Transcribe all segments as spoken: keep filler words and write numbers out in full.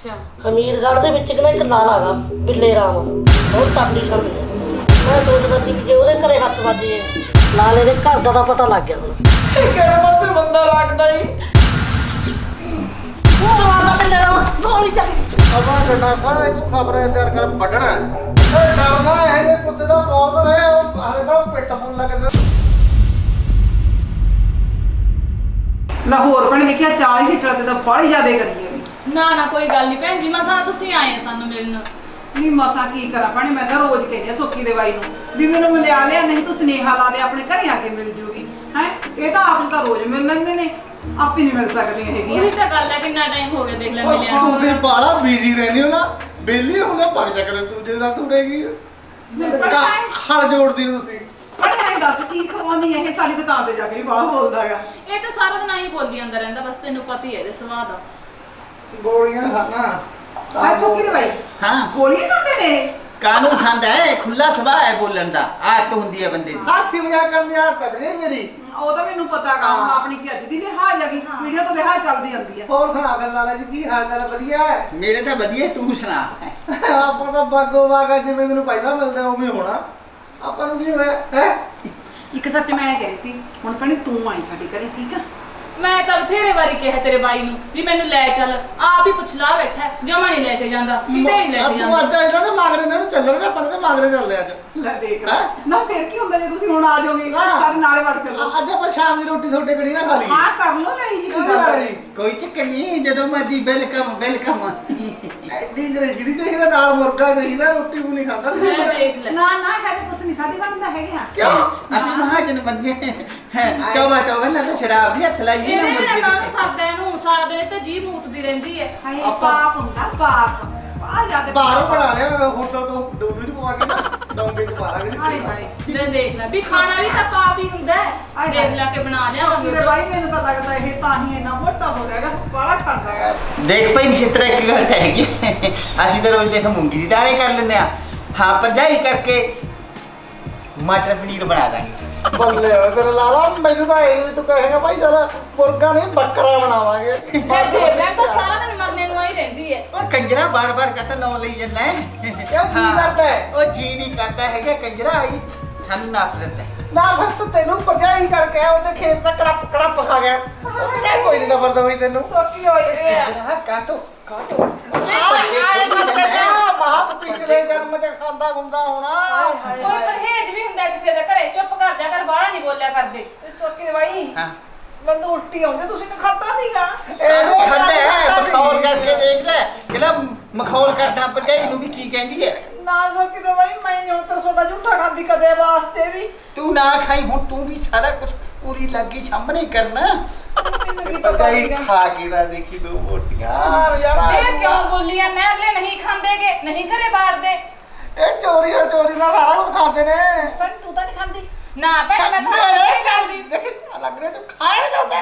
ਹਮੀਰਗੜ੍ਹ ਦੇ ਵਿੱਚ ਕਿਹੜਾ ਇੱਕ ਲਾਲਾ ਗਾ ਬਿੱਲੇ ਰਾਮ ਬਹੁਤ ਤਕੜੀ ਛਾਣੀ ਹੈ। ਮੈਂ ਸੋਚਦਾ ਸੀ ਵੀ ਜੇ ਉਹਦੇ ਘਰੇ ਹੱਥ ਵੱਜੇ ਲਾਲੇ ਦੇ ਘਰ ਦਾ ਤਾਂ ਪਤਾ ਲੱਗ ਗਿਆ ਹੁਣ। ਕਿਹੜੇ ਪਾਸੇ ਬੰਦਾ ਲੱਗਦਾ ਈ ਉਹ ਮਾਤਾ ਬਿੱਲੇ ਰਾਮ ਗੋਲੀ ਚੱਲੀ। ਅਮਾ ਡੰਡਾ ਥਾ ਇਹਨੂੰ ਖਬਰਾਂ ਤਿਆਰ ਕਰ ਵੱਢਣਾ ਇਹ ਡਰਨਾ ਇਹ ਜੇ ਕੁੱਤੇ ਦਾ ਮੌਤ ਰਹੇ ਉਹ ਹਾਲੇ ਤਾਂ ਪਿੱਟ ਪੁੱਲ ਲੱਗਦਾ। ਲਾਹੌਰ ਭੈਣ ਵੇਖਿਆ ਚਾਲੀ ਹੀ ਚੜਦੇ ਤਾਂ ਬਾਹਲੀ ਜ਼ਿਆਦਾ ਕਰੀਏ ਨਾ ਨਾ ਕੋਈ ਗੱਲ ਨਹੀਂ ਭੈਣ ਜੀ ਮਸਾਂ ਤੁਸੀਂ ਆਏ ਸਾਨੂੰ ਮਿਲਣ। ਨਹੀਂ ਮਸਾਂ ਕੀ ਕਰਾਂ ਭੈਣੇ ਮੈਂ ਤਾਂ ਰੋਜ਼ ਕਹਿੰਦੀ ਆ ਸੋਕੀ ਦੇ ਬਾਈ ਨੂੰ ਵੀ ਮੈਨੂੰ ਮਿਲਿਆ ਲਿਆ ਨਹੀਂ ਤੂੰ ਸੁਨੇਹਾ ਲਾ ਦੇ ਆਪਣੇ ਘਰੇ ਆ ਕੇ ਮਿਲ ਜੂਗੀ ਹੈ ਇਹ ਤਾਂ ਆਪ ਤਾਂ ਰੋਜ਼ ਮਿਲ ਲੈਂਦੇ ਨੇ ਆਪ ਹੀ ਨਹੀਂ ਮਿਲ ਸਕਦੀਆਂ ਹੈਗੀਆਂ। ਉਹੀ ਤਾਂ ਗੱਲ ਹੈ ਕਿੰਨਾ ਟਾਈਮ ਹੋ ਗਿਆ ਦੇਖ ਲੈ ਮਿਲਿਆ ਨੂੰ। ਤੁਸੀਂ ਬਾਲਾ ਬਿਜ਼ੀ ਰਹਿੰਦੇ ਹੋ ਨਾ ਬੇਲੀ ਹੁਣੇ ਪੜ ਜਾ ਕਰੇ ਦੂਜੇ ਦਾ ਤੂੰ ਰਹੇਗੀ ਹਲ ਜੋੜਦੀ ਨੂੰ ਤੁਸੀਂ ਪਰ ਐਂ ਦੱਸ ਕੀ ਖਵਾਉਣੀ ਇਹ ਸਾਡੀ ਦੁਕਾਨ ਤੇ ਜਾ ਕੇ ਵੀ ਬਾਹਲਾ ਬੋਲਦਾ ਹੈਗਾ। ਇਹ ਤਾਂ ਸਾਰਾ ਦਿਨ ਆਈ ਬੋਲੀ ਜਾਂਦਾ ਰਹਿੰਦਾ ਬਸ ਤੈਨੂੰ ਪਤਾ ਹੀ ਹੈ ਇਹਦੇ ਸੁਭਾਅ ਦਾ। ਗੋਲੀਆਂ ਖਾਣਾ ਆ ਸੋਕੀ ਦੇ ਬਾਈ ਹਾਂ ਗੋਲੀਆਂ ਖਾਂਦੇ ਨੇ ਕਾਨੂੰ ਖਾਂਦਾ ਹੈ ਖੁੱਲਾ ਸੁਭਾਅ ਹੈ ਬੋਲਣ ਦਾ ਆਦਤ ਹੁੰਦੀ ਹੈ ਬੰਦੇ ਦੀ। ਹਾਥੀ ਮਜ਼ਾਕ ਕਰਨ ਦੀ ਆਦਤ ਹੈ ਮੇਰੀ। ਉਹ ਤਾਂ ਮੈਨੂੰ ਪਤਾ ਗਾ ਹੁਣ ਆਪਣੀ ਕੀ ਅੱਜ ਦੀ ਲਿਹਾਜ਼ ਹੈਗੀ ਵੀਡੀਓ ਤੋਂ ਲਿਹਾਜ਼ ਚੱਲਦੀ ਜਾਂਦੀ ਹੈ। ਹੋਰ ਸੁਣਾ ਫਿਰ ਲਾਲਾ ਜੀ ਕੀ ਹਾਲ ਚਾਲ ਵਧੀਆ ਹੈ? ਮੇਰੇ ਤਾਂ ਵਧੀਆ ਤੂੰ ਸੁਣਾ। ਆਪਾਂ ਤਾਂ ਬਾਗੋ ਬਾਗਾ ਜਿਵੇਂ ਤੈਨੂੰ ਪਹਿਲਾਂ ਮਿਲਦੇ ਉਵੇਂ ਹੋਣਾ ਆਪਾਂ ਨੂੰ ਕੀ ਹੋਇਆ ਹੈ। ਇੱਕ ਸੱਚ ਮੈਂ ਕਹਿ ਰਹੀ ਸੀ ਹੁਣ ਭੈਣੇ ਤੂੰ ਆਈ ਸਾਡੇ ਘਰੇ ਠੀਕ ਆ। ਮੈਂ ਤਾਂ ਬਥੇਰੇ ਵਾਰੀ ਕਿਹਾ ਤੇਰੇ ਬਾਈ ਨੂੰ ਵੀ ਮੈਨੂੰ ਲੈ ਚੱਲ ਆਪ ਹੀ ਪੁੱਛ ਲਾ ਬੈਠਾ ਜਮਾ ਨਹੀਂ ਲੈ ਕੇ ਜਾਂਦਾ ਕਿਤੇ ਨਹੀਂ ਲੈ ਕੇ ਤੂੰ ਜਾਂਦਾ। ਅੱਜ ਇਹਨਾਂ ਦੇ ਮਾਗਰੇ ਇਹਨਾਂ ਨੂੰ ਚੱਲਣ ਦੇ ਆਪਾਂ ਤੇ ਮਾਗਰੇ ਚੱਲਦੇ ਅੱਜ। ਲੈ ਦੇਖ ਲੈ ਨਾ ਫਿਰ ਕੀ ਹੁੰਦਾ ਜੇ ਤੁਸੀਂ ਹੁਣ ਆ ਜਾਓਗੇ ਸਾਡੇ ਨਾਲੇ ਵਗ ਚੱਲੋ। ਅੱਜ ਆਪਾਂ ਸ਼ਾਮ ਦੀ ਰੋਟੀ ਤੁਹਾਡੇ ਕੜੀ ਨਾ ਖਾ ਲਈ। ਹਾਂ ਕਰ ਲਓ ਲੈ ਜੀ ਕੀ ਗੱਲ ਹੈ। ਕੋਈ ਚੱਕਰ ਨਹੀਂ ਜਦੋਂ ਮਰਜੀ ਵੈਲਕਮ ਵੈਲਕਮ। ਐਡੀ ਅੰਗਰੇਜ਼ੀ ਚਾਹੀਦਾ ਨਾਲ ਮੁਰਗਾ ਚਾਹੀਦਾ ਰੋਟੀ ਵੀ ਨਹੀਂ ਖਾਂਦਾ ਤੁਸੀਂ ਮੈਂ ਦੇਖ ਲੈ ਨਾ ਨਾ ਹੈ ਤਾਂ ਕੁਛ ਨਹੀਂ ਸਾਡੇ ਬਣਦਾ ਹੈਗੇ ਆ। ਕਿਉਂ ਅਸੀਂ ਮਹਾਜਨ ਬੰਦੇ ਹੈ ਤੋਬਾ ਤੋਬਾ ਨਾ ਤਾਂ ਸ਼ਰਾਬ ਦੀ ਹੱਥ ਲਾਈਏ ਨਾ ਇਹ ਮੁਰਗੇ ਨਾ ਕਾਹਨੂੰ ਦੀ। ਸਰਦਾ ਨੂੰ ਸਾਰਾ ਦਿਨ ਤੇ ਜੀ ਮੂਤਦੀ ਰਹਿੰਦੀ ਹੈ। ਹਾਏ ਪਾਪ ਹੁੰਦਾ ਪਾਪ ਆ ਜਾਂਦੇ ਬਾਹਰੋਂ ਬਣਾ ਲਿਆ ਮੈਂ ਹੋਟਲ ਤੋਂ ਦੋ ਮਿੰਟ ਪਵਾ ਕੇ ਨਾ ਡੋਂਗੇ ਚ ਪਾ ਲਾਂਗੇ। ਹਾਏ ਹਾਏ ਲੈ ਦੇਖ ਲੈ ਵੀ ਖਾਣਾ ਵੀ ਤਾਂ ਪਾਪ ਹੀ ਹੁੰਦਾ ਹੈ। ਦੇਖ ਲੈ ਕੇ ਬਣਾ ਲਿਆਵਾਂਗੇ ਮੇਰੇ ਬਾਈ ਮੈਨੂੰ ਤਾਂ ਲੱਗਦਾ ਇਹ ਤਾਂ ਹੀ ਇੰਨਾ ਮੋਟਾ ਹੋ ਰਿਹਾ ਹੈਗਾ ਬਾਹਲਾ ਖਾਂਦਾ ਹੈਗਾ। ਦੇਖ ਭਾਈ ਨਿਸ਼ਤਰਾ ਇੱਕ ਗੱਲ ਤਾਂ ਹੈਗੀ ਅਸੀਂ ਤਾਂ ਰੋਜ਼ ਦੇਖ ਮੂੰਗੀ ਦੀ ਦਾਣੇ ਕਰ ਲੈਂਦੇ ਆ ਹਾਂ ਭਰਜਾਈ ਕਰਕੇ ਮਟਰ ਪਨੀਰ ਬਣਾ ਦਾਂਗੇ। ਬੱਲੇ ਓਏ ਤੇਰਾ ਲਾਲਾ ਮੈਨੂੰ ਤਾਂ ਇਹ ਵੀ ਤੂੰ ਕਹੇਗਾ ਭਾਈ ਜਰਾ ਮੁਰਗਾ ਨਹੀਂ ਬੱਕਰਾ ਬਣਾਵਾਂਗੇ। ਲੈ ਦੇਖ ਲੈ ਤਾਂ ਸਾਰਾ ਦਿਨ ਮਰਨੇ ਨੂੰ ਆਈ ਰਹਿੰਦੀ ਹੈ। ਉਹ ਕੰਜਰਾ ਬਾਰ-ਬਾਰ ਕਹਤਾ ਨਾਂ ਲਈ ਜਾਂਦਾ ਹੈ। ਕਿਉਂ ਜੀ ਹਾਂ। ਕਰਦਾ ਹੈ? ਉਹ ਜੀ ਨਹੀਂ ਕਰਦਾ ਹੈਗਾ ਕੰਜਰਾ ਆਈ ਸਾਨੂੰ ਨਫ਼ਰਤ ਹੈ। ਨਾ ਫਿਰ ਤੂੰ ਤੈਨੂੰ ਪਰਜਾਈ ਕਰਕੇ ਆ ਉਹਦੇ ਖੇਤ ਦਾ ਕੜਪ ਕੜਪ ਖਾ ਗਿਆ ਉਹਦੇ ਨਾਲ ਕੋਈ ਨਹੀਂ ਨਫ਼ਰਤ ਹੋਈ ਤੈਨੂੰ। ਸੋਕੀ ਹੋਈ ਇਹ ਆ। ਕੰਜਰਾ ਕਾਟੋ ਕਾਟੋ ਆਏ ਮਤ ਕਹਿਣਾ ਮਾਪ ਪਿਛਲੇ ਜਨਮ ਚ ਖਾਂਦਾ ਹੁੰਦਾ ਹੋਣਾ। ਕੋਈ ਪਰਹੇਜ ਵੀ ਹੁੰਦਾ ਕਿਸੇ ਦੇ ਘਰੇ ਚੁੱਪ ਕਰ ਜਾ ਕਰ ਬਾਹਰ ਨਹੀਂ ਬੋਲਿਆ ਕਰਦੇ। ਸੋਕੀ ਦੇ ਬਾਈ ਹਾਂ ਮੈਨੂੰ ਉਲਟੀ ਆਉਂਦੀ ਤੁਸੀਂ ਨੇ ਖਾਦਾ ਨਹੀਂਗਾ। ਇਹਨੂੰ ਖਾਂਦਾ ਹੈ ਮਖੌਲ ਕਰਕੇ ਦੇਖ ਲੈ ਕਿਹੜਾ ਮਖੌਲ ਕਰਦਾ ਭਰਜਾਈ ਨੂੰ ਵੀ ਕੀ ਕਹਿੰਦੀ ਹੈ। ਨਾ ਸੋਕੀ ਦੇ ਬਾਈ ਮੈਂ ਨਹੀਂ ਹੁਣ ਤੇਰਾ ਸੋਡਾ ਝੂਠਾ ਖਾਂਦੀ ਕਦੇ ਵਾਸਤੇ ਵੀ। ਤੂੰ ਨਾ ਖਾਈ ਹੁਣ ਤੂੰ ਵੀ ਸਾਰਾ ਕੁਝ ਪੂਰੀ ਲੱਗੀ ਸਾਹਮਣੇ ਕਰਨਾ। ਮੈਨੂੰ ਕੀ ਪਤਾ ਹੀ ਖਾ ਕੇ ਨਾ ਦੇਖੀ ਦੋ ਮੋਟੀਆਂ ਯਾਰ ਇਹ ਕਿਉਂ ਬੋਲੀ ਆ ਮੈਂ ਅਗਲੇ ਨਹੀਂ ਖਾਂਦੇਗੇ ਨਹੀਂ ਘਰੇ ਬਾੜਦੇ। ਇਹ ਚੋਰੀਆਂ ਚੋਰੀ ਨਾਲ ਸਾਰਾ ਕੁਝ ਖਾਂਦੇ ਨੇ। ਪਰ ਤੂੰ ਤਾਂ ਨਹੀਂ ਖਾਂਦੀ। ਨਾ ਭੈਣ ਮੈਂ ਤਾਂ ਮੇਰੇ ਨਾਲ ਦੇਖੀ ਲੱਗ ਰਿਹਾ ਤੂੰ ਖਾਏ ਨਹੀਂ ਜਾਂਦਾ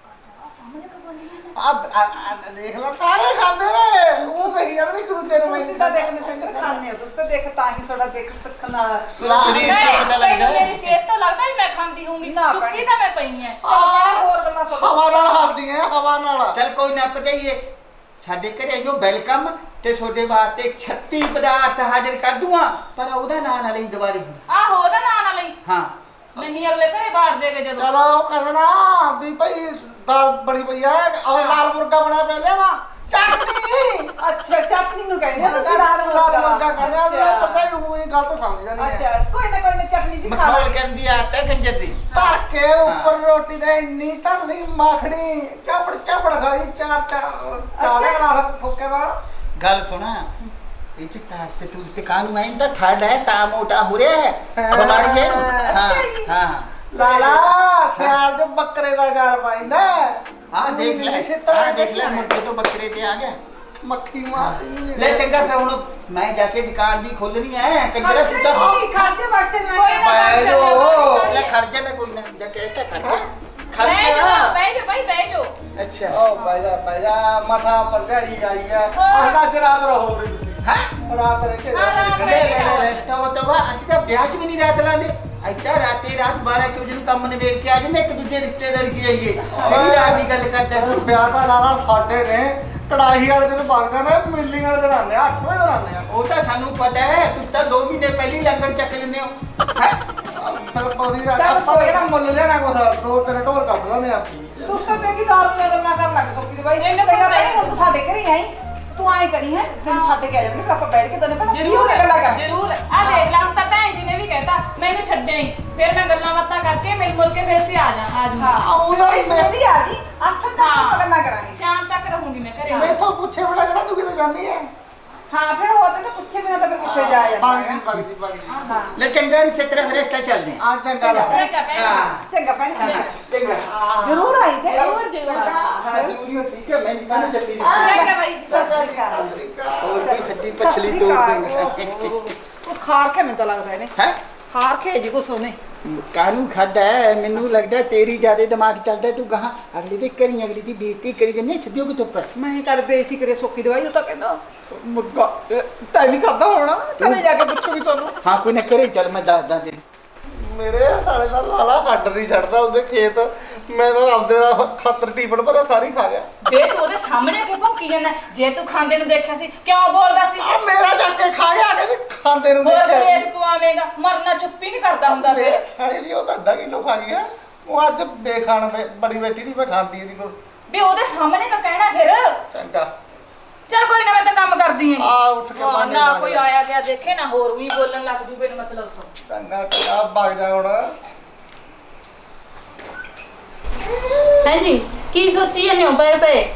ਆ ਦੇਖ ਲੈ ਸਾਰੇ ਖਾਂਦੇ ਨੇ ਉਹ ਸਹੀ ਯਾਰ ਨਹੀਂ ਤੂੰ ਤੈਨੂੰ ਤੁਸੀਂ ਤਾਂ ਦੇਖਣੇ ਸੰਗਰ ਖਾਣੇ ਹੋ ਤੁਸੀਂ ਤਾਂ ਦੇਖ ਤਾਂ ਹੀ ਸੋਡਾ ਦੇਖ ਸਿੱਖਣ ਨਾਲ। ਸਰੀਰ ਤੋਂ ਪਤਾ ਲੱਗਦਾ ਮੇਰੀ ਸਿਹਤ ਤੋਂ ਲੱਗਦਾ ਵੀ ਮੈਂ ਖਾਂਦੀ ਹੋਊਂਗੀ ਨਾ ਸੁੱਕੀ ਤਾਂ ਮੈਂ ਪਈ ਐ। ਹੋਰ ਗੱਲਾਂ ਸੁਣ। ਹਵਾ ਨਾਲ ਹੱਲਦੀਆਂ ਹਵਾ ਨਾਲ। ਚੱਲ ਕੋਈ ਨਾ ਭਰਜਾਈਏ ਸਾਡੇ ਘਰੇ ਜੋ ਵੈਲਕਮ ਤੇ ਤੁਹਾਡੇ ਵਾਸਤੇ ਛੱਤੀ ਪਦਾਰਥ ਹਾਜ਼ਰ ਕਰ ਦੂੰਗਾ ਪਰ ਉਹਦਾ ਨਾਂ ਨਾ ਲਈ ਦੁਬਾਰੇ। ਆਹੋ ਉਹਦਾ ਨਾਂ ਨਾ ਲਈ ਹਾਂ ਨਹੀਂ ਅਗਲੇ ਘਰੇ ਬਾੜ ਦੇਗੇ ਜਦੋਂ। ਚਲੋ ਉਹ ਕਹਿੰਦਾ ਨਾ ਵੀ ਭਾਈ ਦਾਲ ਬੜੀ ਪਈ ਆ ਔਰ ਲਾਲ ਮੁਰਗਾ ਬਣਾ ਪਹਿਲੇ ਵਾ ਚਟਨੀ। ਅੱਛਾ ਚਟਨੀ ਨੂੰ ਕਹਿੰਦੇ ਆ ਤੁਸੀਂ ਲਾਲ ਲਾਲ ਮੁਰਗਾ ਕਹਿੰਦੇ ਆ ਅੱਛਾ। ਪਰਜਾਈ ਉਹ ਹੀ ਗਲਤ ਸਮਝ ਜਾਂਦੀ ਹੈ। ਅੱਛਾ ਕੋਈ ਨਾ ਕੋਈ ਨਾ ਚਟਨੀ ਵੀ ਖਾ ਮਖੌਲ ਲਾਂਗੇ। ਕਹਿੰਦੀ ਆ ਤੇ ਕੰਜਰ ਦੀ ਧਰ ਕੇ ਉੱਪਰ ਰੋਟੀ ਦੇ ਇੰਨੀ ਧਰ ਲਈ ਮੱਖਣੀ ਚਪੜ ਚਪੜ ਖਾਈ ਚਾਰ ਚਾਰ ਚਾਰੇ ਗਲਾਸ ਫੁੱਕੇ ਬਾਹਰ। ਗੱਲ ਸੁਣਾ ਇਹ ਚ ਤਾਂ ਤੇ ਤੂੰ ਤੇ ਕਾਨੂੰ ਆਇਂ ਤਾਂ ਥਰਡ ਹੈ ਤਾਂ ਮੋਟਾ ਹੋ ਰਿਹਾ ਹੈ ਬਮਾਰ ਜੇ ਹਾਂ ਹਾਂ ਲਾਲਾ ਖਿਆਲ ਚ ਬੱਕਰੇ ਦਾ ਗਾਲ ਪਾਈਂਦਾ। ਹਾਂ ਦੇਖ ਲੈ ਹਾਂ ਦੇਖ ਲੈ ਮੁਰਗੇ ਤੋਂ ਬੱਕਰੇ ਤੇ ਆ ਗਿਆ ਮੱਖੀ ਮਾਰਦੀ ਨਹੀਂ ਲੈ ਚੰਗਾ ਫਿਰ ਹੁਣ ਮੈਂ ਜਾ ਕੇ ਦੁਕਾਨ ਵੀ ਖੋਲਣੀ ਹੈ ਕੰਜਰਾ ਤੂੰ ਤਾਂ ਖਾਤੇ ਵਕਤ ਨਾ ਕੋਈ ਨਾ ਬਹਿ ਜਾਓ, ਜਾਓ ਲੈ ਖਰਚਾ ਨਾ ਕੋਈ ਨਾ ਜਾ ਕੇ ਇੱਥੇ ਖਰਚਾ ਬਹਿ ਖਰਚਾ ਜਾਓ ਬਹਿ ਜਾਓ ਭਾਈ ਬਹਿ ਜਾਓ। ਅੱਛਾ ਓ ਭਾਈਆ ਭਾਈਆ ਮਥਾ ਪਰਜਾਈ ਆਈ ਆ ਅੱਲਾ ਚ ਰਾਤ ਰਹੋ ਵੀਰੇ ਤੁਸੀਂ। ਹੈ ਰਾਤ ਰਹਿ ਕੇ ਹਾਂ, ਰਾਤ ਲੈ ਲੈ ਲੈ ਲੈ ਤਵਾ ਤਵਾ ਅਸੀਂ ਤਾਂ ਵਿਆਹ 'ਚ ਵੀ ਨਹੀਂ ਰਾਤ ਲਾਉਂਦੇ ਇੱਥੇ ਰਾਤੇ ਰਾਤ ਬਾਰਾਂ ਇੱਕ ਵਜੇ ਨੂੰ ਕੰਮ ਨਿਬੇੜ ਕੇ ਆ ਜਾਂਦੇ ਇੱਕ ਦੂਜੇ ਰਿਸ਼ਤੇਦਾਰੀ 'ਚ ਜਾਈਏ ਜਿਹੜੀ ਰਾਤ ਦੀ ਗੱਲ ਕਰਦਾ ਤੇ ਵਿਆਹ ਦਾ ਲਾਣਾ ਸਾਡੇ ਨੇ ਕੜਾਹੀ ਵਾਲੇ ਦਿਨ ਬਾਗਦਾ ਨੇ ਮਿਲਿੰਗ ਵਾਲੇ ਦਿਨ ਆਉਂਦੇ ਆ ਅੱਠ ਵਜੇ ਦਿਨ ਆਉਂਦੇ ਆ ਉਹ ਤਾਂ ਸਾਨੂੰ ਪਤਾ ਹੈ ਤੁਸੀਂ ਤਾਂ ਦੋ ਮਹੀਨੇ ਪਹਿਲੀ ਲੰਗਰ ਚੱਕ ਲੈਂਦੇ ਹੋ ਹੈ ਫਿਰ ਪੌਦੀ ਦਾ ਆਪਾਂ ਕਿਹੜਾ ਮੁੱਲ ਲੈਣਾ ਕੁਛ ਦੋ ਤਿੰਨ ਢੋਲ ਕੱਢ ਲੈਂਦੇ ਆ ਤੂੰ ਤਾਂ ਕਹਿੰਦੀ ਦਾਰੂ ਦੀਆਂ ਗੱਲਾਂ ਕਰਨ ਲੱਗ ਸੋਕੀ ਦੇ ਬਾਈ ਇਹਨੇ ਚੰਗਾ ਕੋਈ ਭੈਣੇ, ਹੁਣ ਤੂੰ ਸਾਡੇ ਘਰੇ ਆਈ ਤੂੰ ਆਏ ਕਰੀ ਹੈ ਤੈਨੂੰ ਛੱਡ ਕੇ ਆ ਜਾਣਗੇ ਫਿਰ ਆਪਾਂ ਬੈਠ ਕੇ ਤੈਨੂੰ ਪਤਾ ਜ਼ਰੂਰ ਗੱਲਾਂ ਕਰ ਜ਼ਰੂਰ ਆ ਦੇਖ ਲਾ ਹੁਣ ਤਾਂ ਭੈਣ ਜੀ ਨੇ ਵੀ ਕਹਿਤਾ ਮੈਨੂੰ ਛੱਡਿਆ ਹੀ ਫਿਰ ਮੈਂ ਗੱਲਾਂ ਬਾਤਾਂ ਕਰਕੇ ਮਿਲ ਮੁਲ ਕੇ ਫਿਰ ਸੇ ਆ ਜਾ ਆ ਹਾਂ ਜੂੰਗੀ ਉਹਦਾ ਵੀ ਮੈਂ ਵੀ ਆ ਜੀ ਅੱਠ ਤੱਕ ਹਾਂ। ਆਪਾਂ ਗੱਲਾਂ ਕਰਾਂਗੇ ਸ਼ਾਮ ਤੱਕ ਰਹੂੰਗੀ ਮੈਂ ਘਰੇ ਮੈਥੋਂ ਪੁੱਛੇ ਬੜਾ ਕਿਹੜਾ ਤੂੰ ਕਿਤੇ ਜਾਂਦੀ ਹੈ ਹਾਂ ਫਿਰ ਉਹ ਤਾਂ ਪੁੱਛੇ ਬਿਨਾ ਤਾਂ ਫਿਰ ਕਿੱਥੇ ਜਾ ਜਾਂਦਾ ਭਗਦੀ ਹੈਗਾ। ਭਗਦੀ ਭਗਦੀ ਹਾਂ ਲੈ ਚੰਗਾ ਨਹੀਂ ਛੇਤਰਾ ਫਿਰ ਇਸ ਚੱਲਦੇ ਹਾਂ ਆ ਚੰਗਾ ਲਾ ਚੰਗਾ ਭੈਣ ਹਾਂ ਚੰਗਾ ਭੈਣ ਚੰਗਾ ਚੰਗਾ ਜ਼ਰੂਰ ਆਈ ਜੇ ਜ਼ਰੂਰ ਜ਼ਰੂਰ ਹਾਂ ਦੂਰੀ ਠੀਕ ਹੈ ਮੈਂ ਨਹੀਂ ਕਹਿੰਦਾ ਜੱਪੀ ਚੰਗਾ ਬਾਈ ਸਤਿ ਸ੍ਰੀ ਅਕਾਲ ਹੋਰ ਕੀ ਖੱਡੀ ਪਛਲੀ ਤੋੜ ਦੇਂਗੇ ਉਸ ਖਾਰ ਕੇ ਮੈਨੂੰ ਤਾਂ ਲੱਗਦਾ ਇਹਨੇ ਹੈ ਖਾਰ ਕੇ ਜੀ ਕੋ ਸੋਨੇ ਕਾਨੂੰ ਖਾਦਾ ਹੈ ਮੈਨੂੰ ਲੱਗਦਾ ਤੇਰੀ ਜਿਆਦਾ ਦਿਮਾਗ ਚੱਲਦਾ ਤੂੰ ਕਹਾ ਅਗਲੀ ਦੀ ਕਰੀ ਅਗਲੀ ਦੀ ਬੇਇੱਜ਼ਤੀ ਕਰੀ ਜੰਨੇ ਸਿੱਧਿਓ ਕਿ ਚੁੱਪ ਮੈਂ ਕਰ ਬੇਇੱਜ਼ਤੀ ਕਰੇ ਸੋਕੀ ਦਵਾਈ ਉਹ ਤਾਂ ਕਹਿੰਦਾ ਮੁਰਗਾ ਟਾਈਮ ਹੀ ਖਾਦਾ ਹੋਣਾ ਘਰੇ ਜਾ ਕੇ ਪੁੱਛੂਗੀ ਤੁਹਾਨੂੰ ਹਾਂ ਕੋਈ ਨਾ ਕਰੇ ਚੱਲ ਮੈਂ ਦੱਸਦਾ ਤੇ ਮੇਰੇ ਸਾਲੇ ਦਾ ਲਾਲਾ ਹੱਡ ਨਹੀਂ ਛੱਡਦਾ ਉਹਦੇ ਖੇਤ ਮੈਂ ਤਾਂ ਆਪਦੇ ਨਾਲ ਖਾਤਰ ਟੀਪੜ ਭਰਿਆ ਸਾਰੀ ਖਾ ਗਿਆ ਬੇ ਤੂੰ ਉਹਦੇ ਸਾਹਮਣੇ ਕਿਉਂ ਭੌਂਕੀ ਜਾਂਦਾ ਜੇ ਤੂੰ ਖਾਂਦੇ ਨੂੰ ਦੇਖਿਆ ਸੀ ਕਿਉਂ ਬੋਲਦਾ ਸੀ ਆ ਮੇਰਾ ਚੱਕ ਕੇ ਖਾ ਗਿਆ ਕਹਿੰਦੇ ਖਾਂਦੇ ਨੂੰ ਹੋਰ ਦੇਖਿਆ ਕੇਸ ਪਵਾਵੇਂਗਾ ਮਰਨਾ ਚੁੱਪੀ ਨਹੀਂ ਕਰਦਾ ਹੁੰਦਾ ਮੇਰੇ ਫਿਰ ਸਾਲੇ ਦੀ ਉਹ ਤਾਂ ਅੱਧਾ ਕਿਲੋ ਖਾ ਗਿਆ ਉਹ ਅੱਜ ਬੇਖਾਣ ਬੇ- ਬੜੀ ਬੈਠੀ ਦੀ ਮੈਂ ਖਾਂਦੀ ਇਹਦੀ ਕੋਲ ਵੀ ਉਹਦੇ ਸਾਹਮਣੇ ਕਾ ਕਹਿਣਾ ਫਿਰ ਚੰਗਾ ਚੱਲ ਕੋਈ ਨਾ ਮੈਂ ਤਾਂ ਕੰਮ ਕਰਦੀ ਆਂ ਆ ਉੱਠ ਕੇ ਹਾਂ, ਭਾਂਡੇ ਨਾ ਮਾਂਜ ਕੋਈ ਲੈ। ਆਇਆ ਗਿਆ ਦੇਖੇ ਨਾ ਹੋਰ ਵੀ ਬੋਲਣ ਲੱਗ ਜੂ ਬਿਨ ਮਤਲਬ ਤੋਂ ਚੰਗਾ ਚੰਗਾ ਭੱਗ ਜਾ ਹੁਣ ਹੈ ਜੀ ਕੀ ਸੋਚੀ ਜਾਂਦੇ ਹੋ ਪਏ ਪਏ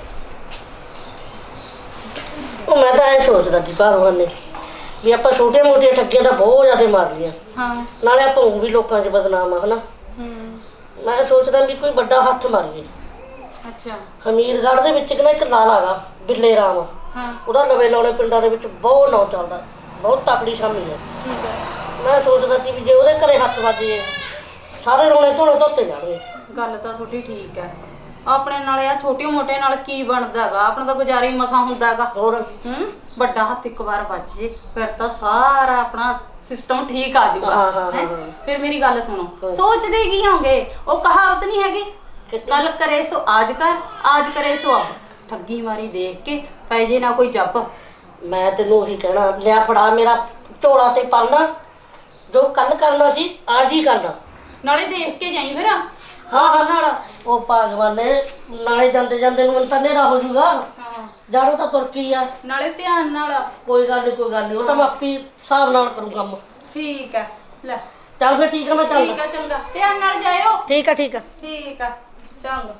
ਉਹ ਮੈਂ ਤਾਂ ਇਹ ਸੋਚਦਾ ਸੀ ਭਗਵਾਨ ਨੇ ਵੀ ਆਪਾਂ ਛੋਟੇ ਮੋਟੇ ਠੱਗੀਆਂ ਤਾਂ ਬਹੁਤ ਜ਼ਿਆਦਾ ਮਾਰ ਲਈਆਂ ਹਾਂ ਨਾਲੇ ਆਪਾਂ ਊਂ ਵੀ ਲੋਕਾਂ 'ਚ ਬਦਨਾਮ ਆ ਹਨਾ ਹੂੰ ਮੈਂ ਸੋਚਦਾ ਵੀ ਕੋਈ ਵੱਡਾ ਹੱਥ ਮਾਰੀਏ ਅੱਛਾ ਹਮੀਰਗੜ੍ਹ ਦੇ ਵਿੱਚ ਕਿਨਾ ਇੱਕ ਲਾਲ ਹੈਗਾ ਬਿੱਲੇ ਰਾਮ ਹਾਂ ਉਹਦਾ ਲਵੇ ਲਾਉਣੇ ਪਿੰਡਾਂ ਦੇ ਵਿੱਚ ਬਹੁਤ ਨਾਂ ਚੱਲਦਾ ਬਹੁਤ ਤਕੜੀ ਸ਼ਾਮੀ ਹੈ ਠੀਕ ਹੈ ਮੈਂ ਸੋਚਦਾ ਸੀ ਵੀ ਜੇ ਉਹਦੇ ਘਰੇ ਹੱਥ ਵੱਜ ਜੇ ਸਾਰੇ ਰੋਣੇ ਧੋਣੇ ਧੋਤੇ ਜਾਣਗੇ ਗੱਲ ਤਾਂ ਤੁਹਾਡੀ ਠੀਕ ਹੈ ਆਪਣੇ ਨਾਲ ਆ ਛੋਟੇ ਮੋਟੇ ਨਾਲ ਕੀ ਬਣਦਾਗਾ ਆਪਣਾ ਤਾਂ ਗੁਜ਼ਾਰਾ ਹੀ ਮਸਾ ਹੁੰਦਾਗਾ ਹੋਰ ਹੂੰ ਵੱਡਾ ਹੱਥ ਇੱਕ ਵਾਰ ਵੱਜ ਜੇ ਫਿਰ ਤਾਂ ਸਾਰਾ ਆਪਣਾ ਸਿਸਟਮ ਠੀਕ ਆ ਜਾਊਗਾ ਹਾਂ, ਹਾਂ, ਹੈਂ? ਹਾਂ। ਫਿਰ ਮੇਰੀ ਗੱਲ ਸੁਣੋ ਹਾਂ। ਸੋਚਦੇ ਕੀ ਹੋਗੇ ਉਹ ਕਹਾਵਤ ਨਹੀਂ ਹੈਗੀ ਕੱਲ ਕਰੇ ਸੋ ਆਜ ਕਰ ਆਜ ਕਰੇ ਸੋ ਅਬ ਠੱਗੀ ਮਾਰੀ ਦੇਖ ਕੇ ਪੈ ਜੇ ਨਾ ਕੋਈ ਜੱਪ ਮੈਂ ਤੈਨੂੰ ਉਹੀ ਕਹਿਣਾ ਲਿਆ ਫੜਾ ਮੇਰਾ ਝੋਲਾ ਤੇ ਪਾਲਣਾ ਜੋ ਕੱਲ ਕਰਨਾ ਸੀ ਅੱਜ ਹੀ ਕਰਨਾ ਨਾਲੇ ਦੇਖ ਕੇ ਜਾਈ ਫਿਰ ਹਾਂ ਹਾਂ ਨਾਲ ਉਹ ਭਗਵਾਨ ਨੇ ਨਾਲੇ ਜਾਂਦੇ ਜਾਂਦੇ ਨੂੰ ਮੈਨੂੰ ਤਾਂ ਹਨੇਰਾ ਹੋ ਜਾਊਗਾ ਹਾਂ ਜਾਣੋ ਤਾਂ ਤੁਰਕੀ ਆ ਨਾਲੇ ਧਿਆਨ ਨਾਲ ਕੋਈ ਗੱਲ ਨਹੀਂ ਕੋਈ ਗੱਲ ਨਹੀਂ ਉਹ ਤਾਂ ਮੈਂ ਆਪੀ ਹਿਸਾਬ ਨਾਲ ਕਰੂੰ ਕੰਮ ਠੀਕ ਹੈ ਲੈ ਚੱਲ ਫਿਰ ਠੀਕ ਆ ਮੈਂ ਚੱਲਦਾ ਠੀਕ ਆ ਚੰਗਾ ਧਿਆਨ ਨਾਲ ਜਾਇਓ ਠੀਕ ਆ ਠੀਕ ਆ ਠੀਕ ਆ ਚੰਗਾ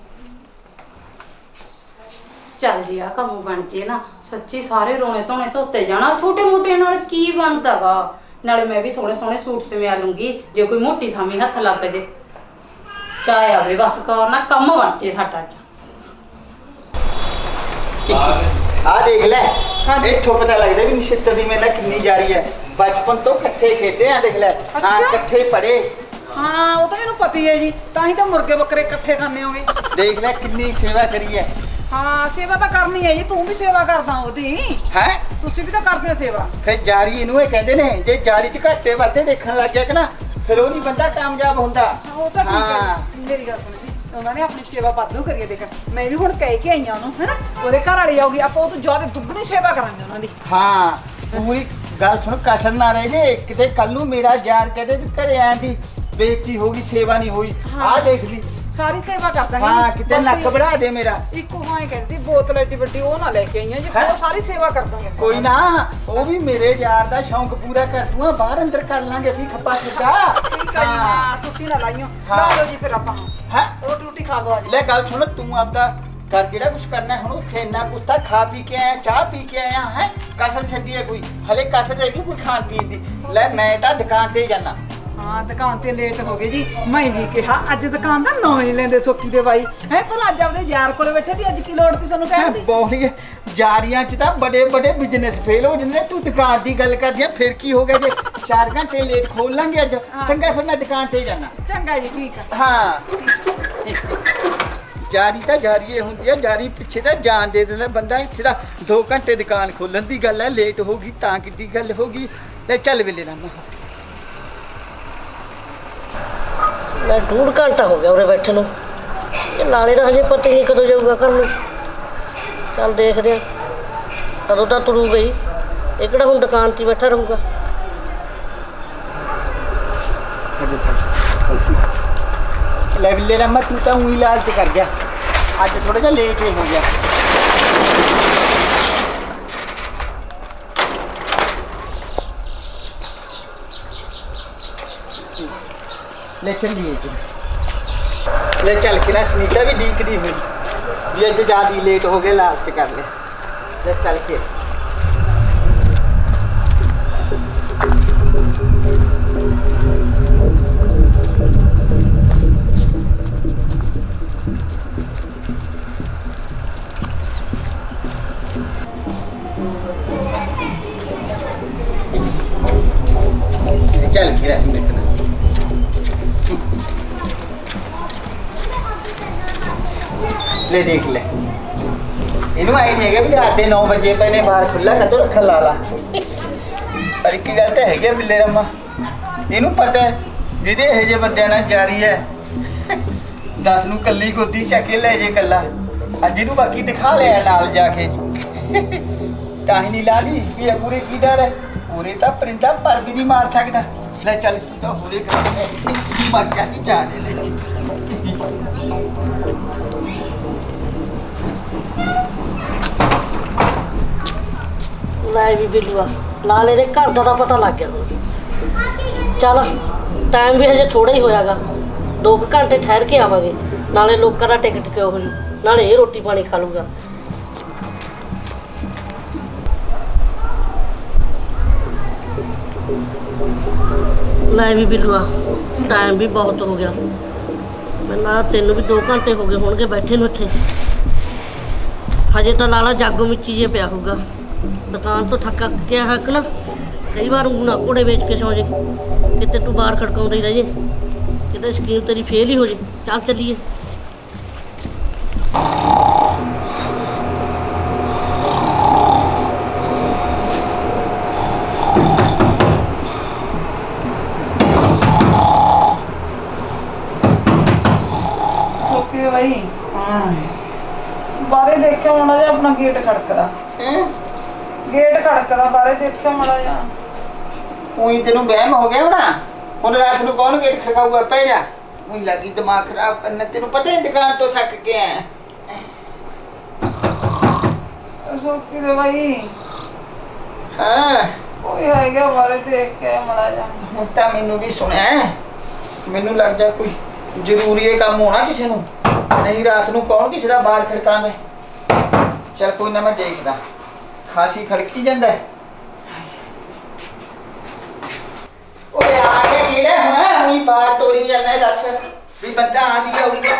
ਚੱਲ ਜੀ ਆ ਕੰਮ ਬਣ ਜੇ ਨਾ ਸੱਚੀ ਸਾਰੇ ਰੋਣੇ ਧੋਣੇ ਧੋਤੇ ਜਾਣਾ ਛੋਟੇ ਮੋਟੇ ਨਾਲ ਕੀ ਬਣਦਾਗਾ ਨਾਲੇ ਮੈਂ ਵੀ ਸੋਹਣੇ ਸੋਹਣੇ ਸੂਟ ਸਿਵਾ ਲੂੰਗੀ ਜੇ ਕੋਈ ਮੋਟੀ ਸਾਮੀ ਹੱਥ ਲੱਗ ਜੇ ਚਾਹੇ ਆਵੇ ਬਸ ਕਰ ਨਾ ਕੰਮ ਬਣ ਜੇ ਸਾਡਾ ਚ ਆ ਦੇਖ ਲੈ ਇੱਥੋਂ ਪਤਾ ਲੱਗਦਾ ਵੀ ਨਿਸ਼ਿਤ ਦੀ ਮੇਰੇ ਨਾਲ ਕਿੰਨੀ ਜਾਰੀ ਹੈ ਬਚਪਨ ਤੋਂ ਇਕੱਠੇ ਖੇਡੇ ਆ ਦੇਖ ਲੈ ਹਾਂ ਅੱਛਾ। ਇਕੱਠੇ ਪੜੇ ਹਾਂ ਉਹ ਤਾਂ ਮੈਨੂੰ ਪਤਾ ਹੀ ਹੈ ਜੀ ਤਾਂ ਹੀ ਤਾਂ ਮੁਰਗੇ ਬੱਕਰੇ ਇਕੱਠੇ ਖਾਣੇ ਹੋਗੇ ਦੇਖ ਲੈ ਕਿੰਨੀ ਸੇਵਾ ਕਰੀ ਹੈ ਹਾਂ ਸੇਵਾ ਤਾਂ ਕਰਨੀ ਹੈ ਜੀ ਤੂੰ ਵੀ ਸੇਵਾ ਕਰਦਾ ਉਹਦੀ ਹੈ ਤੁਸੀਂ ਵੀ ਤਾਂ ਕਰਦੇ ਹੋ ਸੇਵਾ ਫਿਰ ਜਾਰੀ ਇਹਨੂੰ ਇਹ ਕਹਿੰਦੇ ਨੇ ਜੇ ਜਾਰੀ ਚ ਘਾਟੇ ਵਾਧੇ ਦੇਖਣ ਲੱਗ ਗਿਆ ਕਿ ਨਾ ਫਿਰ ਉਹ ਨਹੀਂ ਬੰਦਾ ਕਾਮਯਾਬ ਹੁੰਦਾ ਉਹ ਤਾਂ ਠੀਕ ਹੈ ਹਾਂ। ਮੇਰੀ ਗੱਲ ਸੁਣ ਜੀ ਉਹਨਾਂ ਨੇ ਆਪਣੀ ਸੇਵਾ ਵਾਧੂ ਕਰੀਏ ਦੇਖ ਮੈਂ ਵੀ ਹੁਣ ਕਹਿ ਕੇ ਆਈ ਆ ਉਹਨੂੰ ਹੈਨਾ ਉਹਦੇ ਘਰ ਵਾਲੀ ਆਊਗੀ ਆਪਾਂ ਉਹ ਤੋਂ ਜ਼ਿਆਦਾ ਦੁੱਗਣੀ ਸੇਵਾ ਕਰਾਂਗੇ ਉਹਨਾਂ ਦੀ ਹਾਂ ਪੂਰੀ ਗੱਲ ਸੁਣ ਕਸਰ ਨਾ ਰਹਿ ਜੇ ਕਿਤੇ ਕੱਲ ਨੂੰ ਮੇਰਾ ਯਾਰ ਕਹਦੇ ਵੀ ਘਰੇ ਆਂ ਦੀ ਬੇਇੱਜ਼ਤੀ ਹੋ ਗਈ ਸੇਵਾ ਨਹੀਂ ਹੋਈ ਹਾਂ। ਆਹ ਦੇਖ ਲਈ ਸਾਰੀ ਸੇਵਾ ਕਰ ਦਾਂਗੇ ਹਾਂ ਕਿਤੇ ਬਸ ਨੱਕ ਵੜਾ ਦੇ ਮੇਰਾ ਇੱਕ ਹਾਂ ਇਹ ਕਹਿੰਦੀ ਬੋਤਲ ਐਡੀ ਵੱਡੀ ਉਹ ਨਾ ਲੈ ਕੇ ਆਈਆਂ ਜੀ ਹੈਂ? ਉਹ ਸਾਰੀ ਸੇਵਾ ਕਰ ਦਾਂਗੇ ਆਪਾਂ। ਕੋਈ ਨਾ ਉਹ ਵੀ ਮੇਰੇ ਯਾਰ ਦਾ ਸ਼ੌਂਕ ਪੂਰਾ ਕਰ ਦੂੰਗਾ ਬਾਹਰ ਅੰਦਰ ਕਰ ਲਾਂਗੇ ਅਸੀਂ ਖੱਪਾ ਛਿੱਕਾ ਠੀਕ ਆ ਜੀ ਹਾਂ ਤੁਸੀਂ ਨਾ ਲਾਈਓ ਹਾਂ। ਲਾ ਲਓ ਜੀ ਫਿਰ ਆਪਾਂ ਹੈ ਰੋਟੀ ਰੋਟੀ ਖਾ ਲਓ ਅੱਜ ਲੈ ਗੱਲ ਸੁਣ ਤੂੰ ਆਪਦਾ ਕਰ ਜਿਹੜਾ ਕੁਝ ਕਰਨਾ ਹੁਣ ਉੱਥੇ ਇੰਨਾ ਕੁਛ ਤਾਂ ਖਾ ਪੀ ਕੇ ਆਇਆ ਚਾਹ ਪੀ ਕੇ ਆਇਆ ਹੈ ਕਸਰ ਛੱਡੀ ਹੈ ਕੋਈ ਹਲੇ ਕਸਰ ਰਹਿ ਗਈ ਕੋਈ ਖਾਣ ਪੀਣ ਦੀ ਲੈ ਮੈਂ ਤਾਂ ਦੁਕਾਨ ਤੇ ਜਾਣਾ ਹਾਂ ਦੁਕਾਨ ਤੇ ਲੇਟ ਹੋ ਗਏ ਜੀ ਮੈਂ ਵੀ ਕਿਹਾ ਅੱਜ ਦੁਕਾਨ ਦਾ ਨਾਂ ਹੀ ਲੈਂਦੇ ਸੋਕੀ ਦੇ ਬਾਈ ਹੈ ਪਰ ਅੱਜ ਆਪਦੇ ਯਾਰ ਕੋਲੇ ਬੈਠੇ ਦੀ ਅੱਜ ਕੀ ਲੋੜ ਤੀ ਸਾਨੂੰ ਕਹਿਣ ਦੀ ਬੋਲੀ ਜਾਰੀਆਂ ਚ ਤਾਂ ਬੜੇ ਬੜੇ ਬਿਜ਼ਨਸ ਫੇਲ ਹੋ ਜਾਂਦੇ ਤੂੰ ਦੁਕਾਨ ਦੀ ਗੱਲ ਕਰਦੀ ਆ ਫਿਰ ਕੀ ਹੋ ਗਿਆ ਜੇ ਚਾਰ ਘੰਟੇ ਲੇਟ ਖੋਲ ਲਾਂਗੇ ਅੱਜ ਹਾਂ। ਚੰਗਾ ਫਿਰ ਮੈਂ ਦੁਕਾਨ ਤੇ ਜਾਣਾ ਚੰਗਾ ਜੀ ਠੀਕ ਆ ਹਾਂ ਜਾਰੀ ਤਾਂ ਜਾਰੀ ਹੀ ਹੁੰਦੀ ਹੈ, ਜਾਰੀ ਪਿੱਛੇ ਤਾਂ ਜਾਨ ਦੇ ਦਿੰਦਾ ਬੰਦਾ। ਇੱਥੇ ਤਾਂ ਦੋ ਘੰਟੇ ਦੁਕਾਨ ਖੋਲਣ ਦੀ ਗੱਲ ਹੈ, ਲੇਟ ਹੋ ਗਈ ਤਾਂ ਕਿੱਡੀ ਗੱਲ ਹੋ ਗਈ। ਲੈ ਚੱਲ ਵੇਲੇ ਰਾਮਾ। ਲੈ ਡੂਢ ਘੰਟਾ ਹੋ ਗਿਆ ਉਰੇ ਬੈਠੇ ਨੂੰ। ਇਹ ਲਾਲੇ ਦਾ ਹਜੇ ਪਤਾ ਹੀ ਨਹੀਂ ਕਦੋਂ ਜਾਊਗਾ ਘਰ ਨੂੰ। ਚੱਲ ਦੇਖਦੇ ਆ ਕਦੋਂ ਤਾਂ ਤੁਰੂ ਗਈ। ਇਹ ਕਿਹੜਾ ਹੁਣ ਦੁਕਾਨ 'ਤੇ ਹੀ ਬੈਠਾ ਰਹੂਗਾ। ਲੈ ਵੇਲੇ ਰਾਮਾ ਤੂੰ ਤਾਂ ਊਂ ਹੀ ਲਾਲਚ ਕਰ ਗਿਆ, ਅੱਜ ਥੋੜਾ ਜਿਹਾ ਲੇਟ ਹੀ ਹੋ ਗਿਆ। ਲੈ ਚੱਲੀਏ ਜੀ। ਲੈ ਚੱਲ ਕੇ ਨਾ ਸੁਨੀਤਾ ਵੀ ਡੀਕਦੀ ਹੋਈ ਵੀ ਅੱਜ ਜ਼ਿਆਦਾ ਲੇਟ ਹੋ ਗਏ, ਲਾਲਚ ਕਰ ਲੈ। ਲੈ ਚੱਲ ਕੇ ਚੱਲ ਕੇ ਰਹਿ ਮੇਰੇ ਨਾਲ। ਲੈ ਦੇਖ ਲੈ, ਇਹਨੂੰ ਆਈ ਨਹੀਂ ਹੈਗਾ ਵੀ ਰਾਤ ਦੇ ਨੌ ਵਜੇ ਪਏ ਨੇ, ਬਾਹਰ ਖੁੱਲਾ ਕਦੋਂ ਰੱਖਣ ਲਾ ਲਾ। ਪਰ ਇੱਕ ਗੱਲ ਤਾਂ ਹੈਗੀ ਬਿੱਲੇ ਰੰਮਾ, ਇਹਨੂੰ ਪਤਾ ਹੈ ਜਿਹਦੇ ਇਹੋ ਜਿਹੇ ਬੰਦਿਆਂ ਨਾਲ ਜਾਰੀ ਹੈ ਦਸ ਨੂੰ ਕੱਲੀ ਗੋਦੀ ਚੱਕ ਕੇ ਲੈ ਜੇ ਕੱਲਾ। ਅੱਜ ਇਹਨੂੰ ਬਾਕੀ ਦਿਖਾ ਲਿਆ ਨਾਲ ਜਾ ਕੇ ਤਾਂ ਹੀ ਨਹੀਂ ਲਾ ਲਈ ਵੀ ਇਹ ਪੂਰੇ ਕੀ ਡਰ ਹੈ। ਪੂਰੇ ਤਾਂ ਪਰਿੰਦਾ ਪਰ ਵੀ ਨਹੀਂ ਮਾਰ ਸਕਦਾ। ਲੈ ਚੱਲ ਤੂੰ ਤਾਂ ਹੋਰੇ ਕਰ ਮਰ ਗਿਆ ਕੀ ਜਾਣੇ ਲੈ। ਲੈ ਵੀ ਬਿੱਲੂਆ ਲਾਲੇ ਦੇ ਘਰ ਦਾ ਤਾਂ ਪਤਾ ਲੱਗ ਗਿਆ ਹੁਣ। ਚੱਲ ਟਾਈਮ ਵੀ ਹਜੇ ਥੋੜਾ ਹੀ ਹੋਇਆਗਾ, ਦੋ ਕੁ ਘੰਟੇ ਠਹਿਰ ਕੇ ਆਵਾਂਗੇ। ਨਾਲੇ ਲੋਕਾਂ ਦਾ ਟਿਕਟ ਕਿਉਂ ਹੋ ਜੂ, ਨਾਲੇ ਇਹ ਰੋਟੀ ਪਾਣੀ ਖਾ ਲੂਗਾ। ਲੈ ਵੀ ਬਿੱਲੂਆ ਟਾਈਮ ਵੀ ਬਹੁਤ ਹੋ ਗਿਆ। ਮੈਨੂੰ ਲੱਗਦਾ ਤੈਨੂੰ ਵੀ ਦੋ ਘੰਟੇ ਹੋ ਗਏ ਹੋਣਗੇ ਬੈਠੇ ਨੂੰ ਇੱਥੇ। ਹਜੇ ਤਾਂ ਲਾਲਾ ਜਾਗੋ ਮਿੱਚੀ ਜੇ ਪਿਆ ਹੋਊਗਾ। ਦੁਕਾਨ ਤੋਂ ਥੱਕ ਗਿਆ ਹੱਕ ਨਾ, ਕਈ ਵਾਰ ਊਂ ਨਾ ਘੋੜੇ ਵੇਚ ਕੇ ਸੌ ਜੇ, ਕਿਤੇ ਤੂੰ ਬਾਹਰ ਖੜਕਾਉਂਦਾ ਹੀ ਰਹਿ ਜੇ, ਕਿਤੇ ਸਕੀਮ ਤੇਰੀ ਫੇਲ ਹੀ ਹੋ ਜੇ। ਚੱਲ ਚੱਲੀਏ। ਸੋਕੇ ਬਾਈ ਬਾਰੇ ਦੇਖਿਆ ਮਾੜਾ ਜਿਹਾ ਆਪਣਾ ਗੇਟ ਖੜਕਦਾ। ਗੇਟ ਖੜਕਦਾ ਬਾਰੇ ਦੇਖਿਆ ਮਾੜਾ ਜਿਹਾ। ਉਹੀ ਤੈਨੂੰ ਵਹਿਮ ਹੋ ਗਿਆ ਹੋਣਾ। ਹੁਣ ਰਾਤ ਨੂੰ ਕੌਣ ਗੇਟ ਖੜਕਾਊਗਾ? ਪੈ ਜਾ। ਉਹੀ ਲੱਗੀ ਦਿਮਾਗ ਖਰਾਬ ਕਰਨਾ। ਤੈਨੂੰ ਪਤਾ ਹੈ ਦੁਕਾਨ ਤੋਂ ਥੱਕ ਕੇ ਆਇਆ। ਸੋਕੇ ਦੇ ਬਾਈ ਹਾਂ ਕੋਈ ਹੈਗਾ ਬਾਰੇ ਦੇਖ ਕੇ ਮਾੜਾ ਜਿਹਾ। ਹੁਣ ਤਾਂ ਮੈਨੂੰ ਵੀ ਸੁਣਿਆ, ਮੈਨੂੰ ਲੱਗਦਾ ਕੋਈ ਜ਼ਰੂਰੀ ਇਹ ਕੰਮ ਹੋਣਾ ਕਿਸੇ ਨੂੰ, ਨਹੀਂ ਰਾਤ ਨੂੰ ਕੌਣ ਕਿਸੇ ਦਾ ਬਾਲ ਖੜਕਾਉਂਦਾ। ਚੱਲ ਕੋਈ ਨਾ ਮੈਂ ਦੇਖਦਾ। ਖਾਸੀ ਖੜਕੀ ਜਾਂਦਾ। ਓਏ ਆ ਗਿਆ ਕਿਹੜਾ ਹੁਣ? ਉਹੀ ਬਾਹਰ ਤੋਰੀ ਜਾਂਦਾ। ਦੱਸ ਵੀ ਬੰਦਾ ਆਂਦੀ ਆਊਗਾ।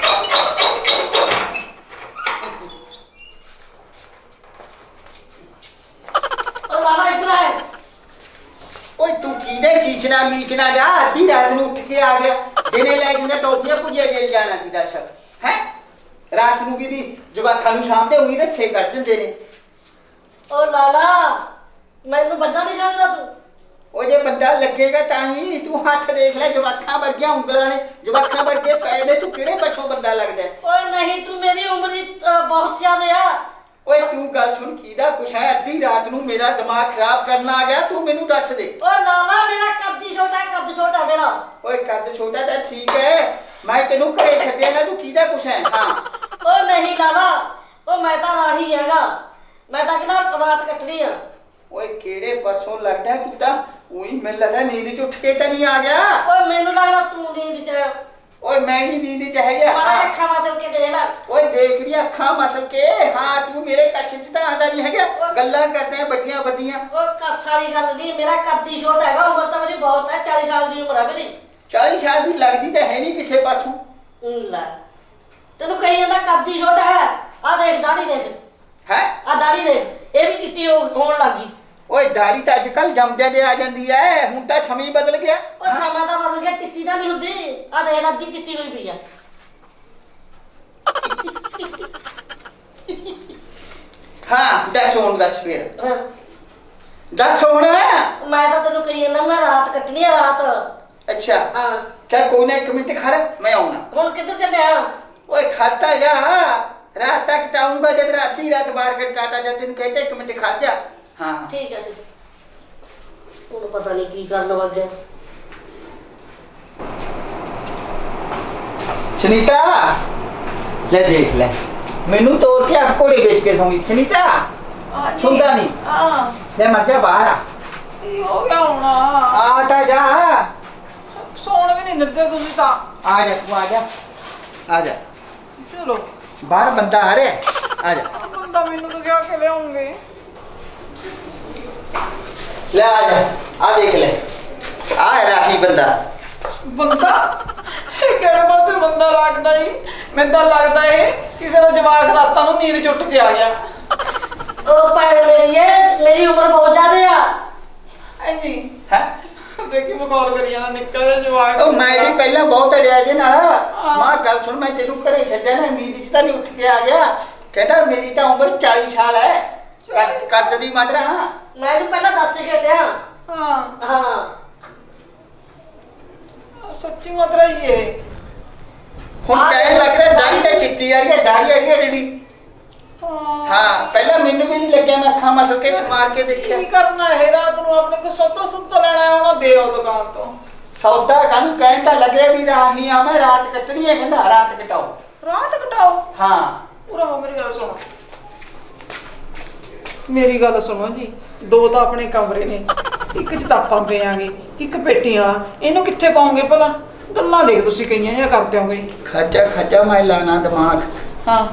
ਉਹ ਲਾਲਾ ਇੱਧਰ ਆਏ। ਓਏ ਤੂੰ ਕਿਹਦੇ ਚੀਚਣਾ ਮੀਚਣਾ ਜਾ, ਅੱਧੀ ਰਾਤ ਨੂੰ ਉੱਠ ਕੇ ਆ ਗਿਆ। ਦਿਨੇ ਲੈ ਜਾਂਦਾ ਟੋਪੀਆਂ ਭੁਜਿਆ ਜੇ ਜਾਣਾ ਦੀ। ਦੱਸ ਹੈ ਰਾਤ ਨੂੰ ਕਿਹਦੀ ਜਵਾਕਾਂ ਨੂੰ ਸਾਹਮਣੇ ਉਹੀ ਰੱਸੇ ਕੱਢ ਦਿੰਦੇ ਨੇ। ਉਹ ਲਾਲਾ ਮੈਨੂੰ ਬੰਦਾ ਨਹੀਂ ਸਮਝਦਾ ਤੂੰ। ਉਹ ਜੇ ਬੰਦਾ ਲੱਗੇਗਾ ਤਾਂ ਹੀ। ਤੂੰ ਹੱਥ ਦੇਖ ਲੈ, ਜਵਾਕਾਂ ਵਰਗੀਆਂ ਉਂਗਲਾਂ ਨੇ, ਜਵਾਕਾਂ ਵਰਗੇ ਪੈਰ ਨੇ। ਤੂੰ ਕਿਹੜੇ ਪਾਸੋਂ ਬੰਦਾ ਲੱਗਦਾ? ਓਏ ਨਹੀਂ ਤੂੰ ਮੇਰੀ ਉਮਰ ਹੀ ਅਹ, ਬਹੁਤ ਜ਼ਿਆਦਾ ਆ। ਓਏ ਤੂੰ ਗੱਲ ਸੁਣ, ਕਿਹਦਾ ਕੁਛ ਹੈ? ਅੱਧੀ ਰਾਤ ਨੂੰ ਮੇਰਾ ਦਿਮਾਗ ਖਰਾਬ ਕਰਨ ਆ ਗਿਆ। ਤੂੰ ਮੈਨੂੰ ਦੱਸ ਦੇ। ਓਏ ਲਾਲਾ ਮੇਰਾ ਕੱਦ ਹੀ ਛੋਟਾ, ਕੱਦ ਛੋਟਾ ਮੇਰਾ। ਓਏ ਕੱਦ ਛੋਟਾ ਤਾਂ ਠੀਕ ਹੈ, ਮੈਂ ਤੈਨੂੰ ਘਰੇ ਛੱਡਿਆ ਨਾ। ਤੂੰ ਕਿਹਦਾ ਕੁਛ ਹੈ? ਹਾਂ ਓ ਨਹੀਂ ਲਾਲਾ, ਉਹ ਮੈਂ ਤਾਂ ਰਾਹੀ ਹੈਗਾ। ਮੈਂ ਤਾਂ ਕਿਹਨਾਂ ਰਾਤ ਕੱਟਣੀ ਆ। ਓਏ ਕਿਹੜੇ ਪਾਸੋਂ ਲੱਗਦਾ? ਤੂੰ ਤਾਂ ਉਹੀ ਮੈਨੂੰ ਲੱਗਦਾ ਨੀਂਦ ਚ ਉੱਠ ਕੇ ਤਾਂ ਨਹੀਂ ਆ ਗਿਆ। ਓਏ ਮੈਨੂੰ ਲੱਗਦਾ ਤੂੰ ਨੀਂਦ ਚ। ਓਏ ਮੈਂ ਨਹੀਂ ਨੀਂਦ ਚ ਹੈਗਾ। ਮਾੜਾ ਹਾਂ ਅੱਖਾਂ ਵਾਸਲ ਕੇ ਦੇਖ ਲੈ। ਓਏ ਦੇਖ ਰਹੀ ਅੱਖਾਂ ਮਸਲ ਕੇ। ਹਾਂ ਤੂੰ ਮੇਰੇ ਕੱਛ ਚ ਤਾਂ ਆਂਦਾ ਨਹੀਂ ਹੈਗਾ। ਗੱਲਾਂ ਕਰਦੇ ਆ ਵੱਡੀਆਂ ਵੱਡੀਆਂ। ਓ ਕੱਸ ਵਾਲੀ ਗੱਲ ਨਹੀਂ, ਮੇਰਾ ਕੱਦ ਹੀ ਛੋਟਾ ਹੈਗਾ। ਉਮਰ ਤਾਂ ਮੇਰੀ ਬਹੁਤ ਹੈ, ਚਾਲੀ ਸਾਲ ਦੀ ਉਮਰ ਹੈ ਮੇਰੀ। ਚਾਲੀ ਸਾਲ ਦੀ ਲੱਗਦੀ ਤਾਂ ਹੈ ਨਹੀਂ ਕਿਸੇ ਪਾਸੋਂ। ਊਂ ਲੈ ਤੈਨੂੰ ਕਹੀ ਜਾਂਦਾ ਕੱਦ ਹੀ ਛੋਟਾ ਹੈ। ਆ ਦੇਖ ਦਾੜੀ ਦੇਖ, ਹੈ ਆ ਦਾੜੀ ਦੇਖ, ਇਹ ਵੀ ਚਿੱਟੀ ਹੋ- ਹੋਣ ਲੱਗੀ। ਓਏ ਦਾੜੀ ਤਾਂ ਅੱਜ ਕੱਲ ਜੰਮਦਿਆਂ ਦੇ ਆ ਜਾਂਦੀ ਐ। ਹੁਣ ਤਾਂ ਸਮੇਂ ਹੀ ਬਦਲ ਗਿਆ। ਉਹ ਸਮਾਂ ਤਾਂ ਬਦਲ ਗਿਆ, ਚਿੱਟੀ ਤਾਂ ਨਹੀਂ ਹੁੰਦੀ। ਆ ਦੇਖ ਅੱਧੀ ਚਿੱਟੀ ਹੋਈ ਪਈ ਆ। ਹਾਂ ਦੱਸ ਹੁਣ ਦੱਸ ਫਿਰ ਹਾਂ, ਦੱਸ ਹੁਣ। ਮੈਂ ਤਾਂ ਤੈਨੂੰ ਕਹੀ ਜਾਂਦਾ ਮੈਂ ਰਾਤ ਕੱਟਣੀ ਆ ਰਾਤ। ਅੱਛਾ ਹਾਂ, ਚੱਲ ਕੋਈ ਨਾ, ਇੱਕ ਮਿੰਟ ਖੜ, ਮੈਂ ਆਉਣਾ। ਹੁਣ ਕਿੱਧਰ ਚੱਲਿਆ? ਓਏ ਖਾਤਾ ਜਾ, ਰਾਤ ਤੱਕ ਤਾਂ ਆਉਂਗਾ ਜਦ ਰਾਤੀ ਰਾਤ ਬਾਹਰ ਕਰ ਕਾਤਾ ਜਦ ਤੈਨੂੰ ਕਹਿੰਦਾ ਇੱਕ ਮਿੰਟ ਖੜ ਜਾ। ਹਾਂ ਠੀਕ ਹੈ, ਠੀਕ ਹੈ। ਹੁਣ ਪਤਾ ਨਹੀਂ ਕੀ ਕਰਨ ਵਾਗਿਆ। ਸੁਨੀਤਾ ਲੈ ਦੇਖ ਲੈ, ਮੈਨੂੰ ਤੋੜ ਕੇ ਆਪ ਘੋੜੇ ਵੇਚ ਕੇ ਸੌਂਗੀ। ਸੁਨੀਤਾ ਸੁਣਦਾ ਨਹੀਂ? ਹਾਂ ਲੈ ਮਰ ਜਾ ਬਾਹਰ ਆ। ਕੀ ਹੋ ਗਿਆ ਹੁਣ? ਆ ਤਾਂ ਜਾ, ਸੌਣ ਵੀ ਨਹੀਂ ਦਿੰਦੇ ਤੁਸੀਂ ਤਾਂ। ਆ ਜਾ ਤੂੰ, ਆ ਜਾ ਆ ਜਾ, ਚਲੋ ਬਾਹਰ ਬੰਦਾ ਆ ਰਿਹਾ, ਆ ਜਾ। ਬੰਦਾ ਮੈਨੂੰ ਤਾਂ ਕਿਹਾ ਕਿ ਲਿਆਉਂਗੇ। ਲੈ ਆ ਜਾ, ਆ ਦੇਖ ਲੈ, ਆ ਹੈ ਰਾਹੀ ਬੰਦਾ। ਬੰਦਾ? ਇਹ ਕਿਹੜੇ ਪਾਸੇ ਬੰਦਾ ਲੱਗਦਾ ਈ? ਮੈਨੂੰ ਤਾਂ ਲੱਗਦਾ ਇਹ ਕਿਸੇ ਦਾ ਜਵਾਕ ਰਾਤਾਂ ਨੂੰ ਨੀਂਦ ਚੁੱਟ ਕੇ ਆ ਗਿਆ। ਉਹ ਭੈਣ ਮੇਰੀ ਹੈ, ਮੇਰੀ ਉਮਰ ਬਹੁਤ ਜ਼ਿਆਦਾ ਆ। ਹਾਂਜੀ ਹੈ ਦੇਖੀ ਮਖੌਲ ਕਰੀ ਜਾਂਦਾ ਨਿੱਕਾ ਜਿਹਾ ਜਵਾਕ। ਉਹ ਮੈਂ ਵੀ ਪਹਿਲਾਂ ਬਹੁਤ ਅੜਿਆ ਇਹਦੇ ਨਾਲ। ਮਾਂ ਗੱਲ ਸੁਣ, ਮੈਂ ਤੈਨੂੰ ਘਰੇ ਛੱਡਿਆ ਨਾ, ਨੀਂਦ 'ਚ ਤਾਂ ਨਹੀਂ ਉੱਠ ਕੇ ਆ ਗਿਆ। ਕਹਿੰਦਾ ਮੇਰੀ ਤਾਂ ਉਮਰ ਚਾਲੀ ਸਾਲ ਹੈ। ਕੱਦ ਕੱਦ ਦੀ ਮਾਤਰਾ। ਹਾਂ ਮੈਂ ਇਹਨੂੰ ਪਹਿਲਾਂ ਦੱਸ ਕੇ ਹਟਿਆ। ਹਾਂ ਹਾਂ, ਸੱਚੀ ਮਾਤਰਾ ਹੀ ਇਹ। ਹੁਣ ਕਹਿਣ ਲੱਗ ਰਿਹਾ ਦਾੜੀ ਤਾਂ ਚਿੱਟੀ ਆ ਰਹੀ ਹੈ, ਦਾੜੀ ਆ ਰਹੀ ਹੈ ਜਿਹੜੀ। ਹਾਂ ਹਾਂ ਪਹਿਲਾਂ ਮੈਨੂੰ ਵੀ ਨਹੀਂ ਲੱਗਿਆ, ਮੈਂ ਅੱਖਾਂ ਮਸਲ ਕੇ ਸਮਾਰ ਕੇ ਦੇਖਿਆ। ਕੀ ਕਰਨਾ ਇਹ ਰਾਤ ਨੂੰ ਆਪਣੇ ਕੋ ਸੌਦਾ ਸੁੱਤਾ ਲੈਣਾ ਹੈ, ਉਹਨਾਂ ਦੇ ਆਓ ਦੁਕਾਨ ਤੋਂ। ਸੌਦਾ ਕਾਹਨੂੰ, ਕਹਿਣ ਤਾਂ ਲੱਗਿਆ ਵੀ ਰਾਹੀ ਆ ਮੈਂ, ਰਾਤ ਕੱਟਣੀ ਹੈ। ਕਹਿੰਦਾ ਰਾਤ ਕਟਾਓ। ਰਾਤ ਕਟਾਓ? ਹਾਂ ਪੂਰਾ ਹੋ, ਮੇਰੀ ਗੱਲ ਸੁਣੋ, ਮੇਰੀ ਗੱਲ ਸੁਣੋ ਜੀ। ਦੋ ਤਾਂ ਆਪਣੇ ਕਮਰੇ ਨੇ, ਇੱਕ ਚ ਤਾਂ ਆਪਾਂ ਪਿਆਂਗੇ, ਇੱਕ ਪੇਟੀ ਵਾਲਾ। ਇਹਨੂੰ ਕਿੱਥੇ ਪਾਉਂਗੇ ਭਲਾ? ਗੱਲਾਂ ਦੇਖ ਤੁਸੀਂ ਕਈਆਂ ਜਿਹਾ ਕਰ ਦਿਓਗੇ। ਖੱਜਾ ਖੱਜਾ ਮੈਂ ਲਾਣਾ ਦਿਮਾਗ। ਹਾਂ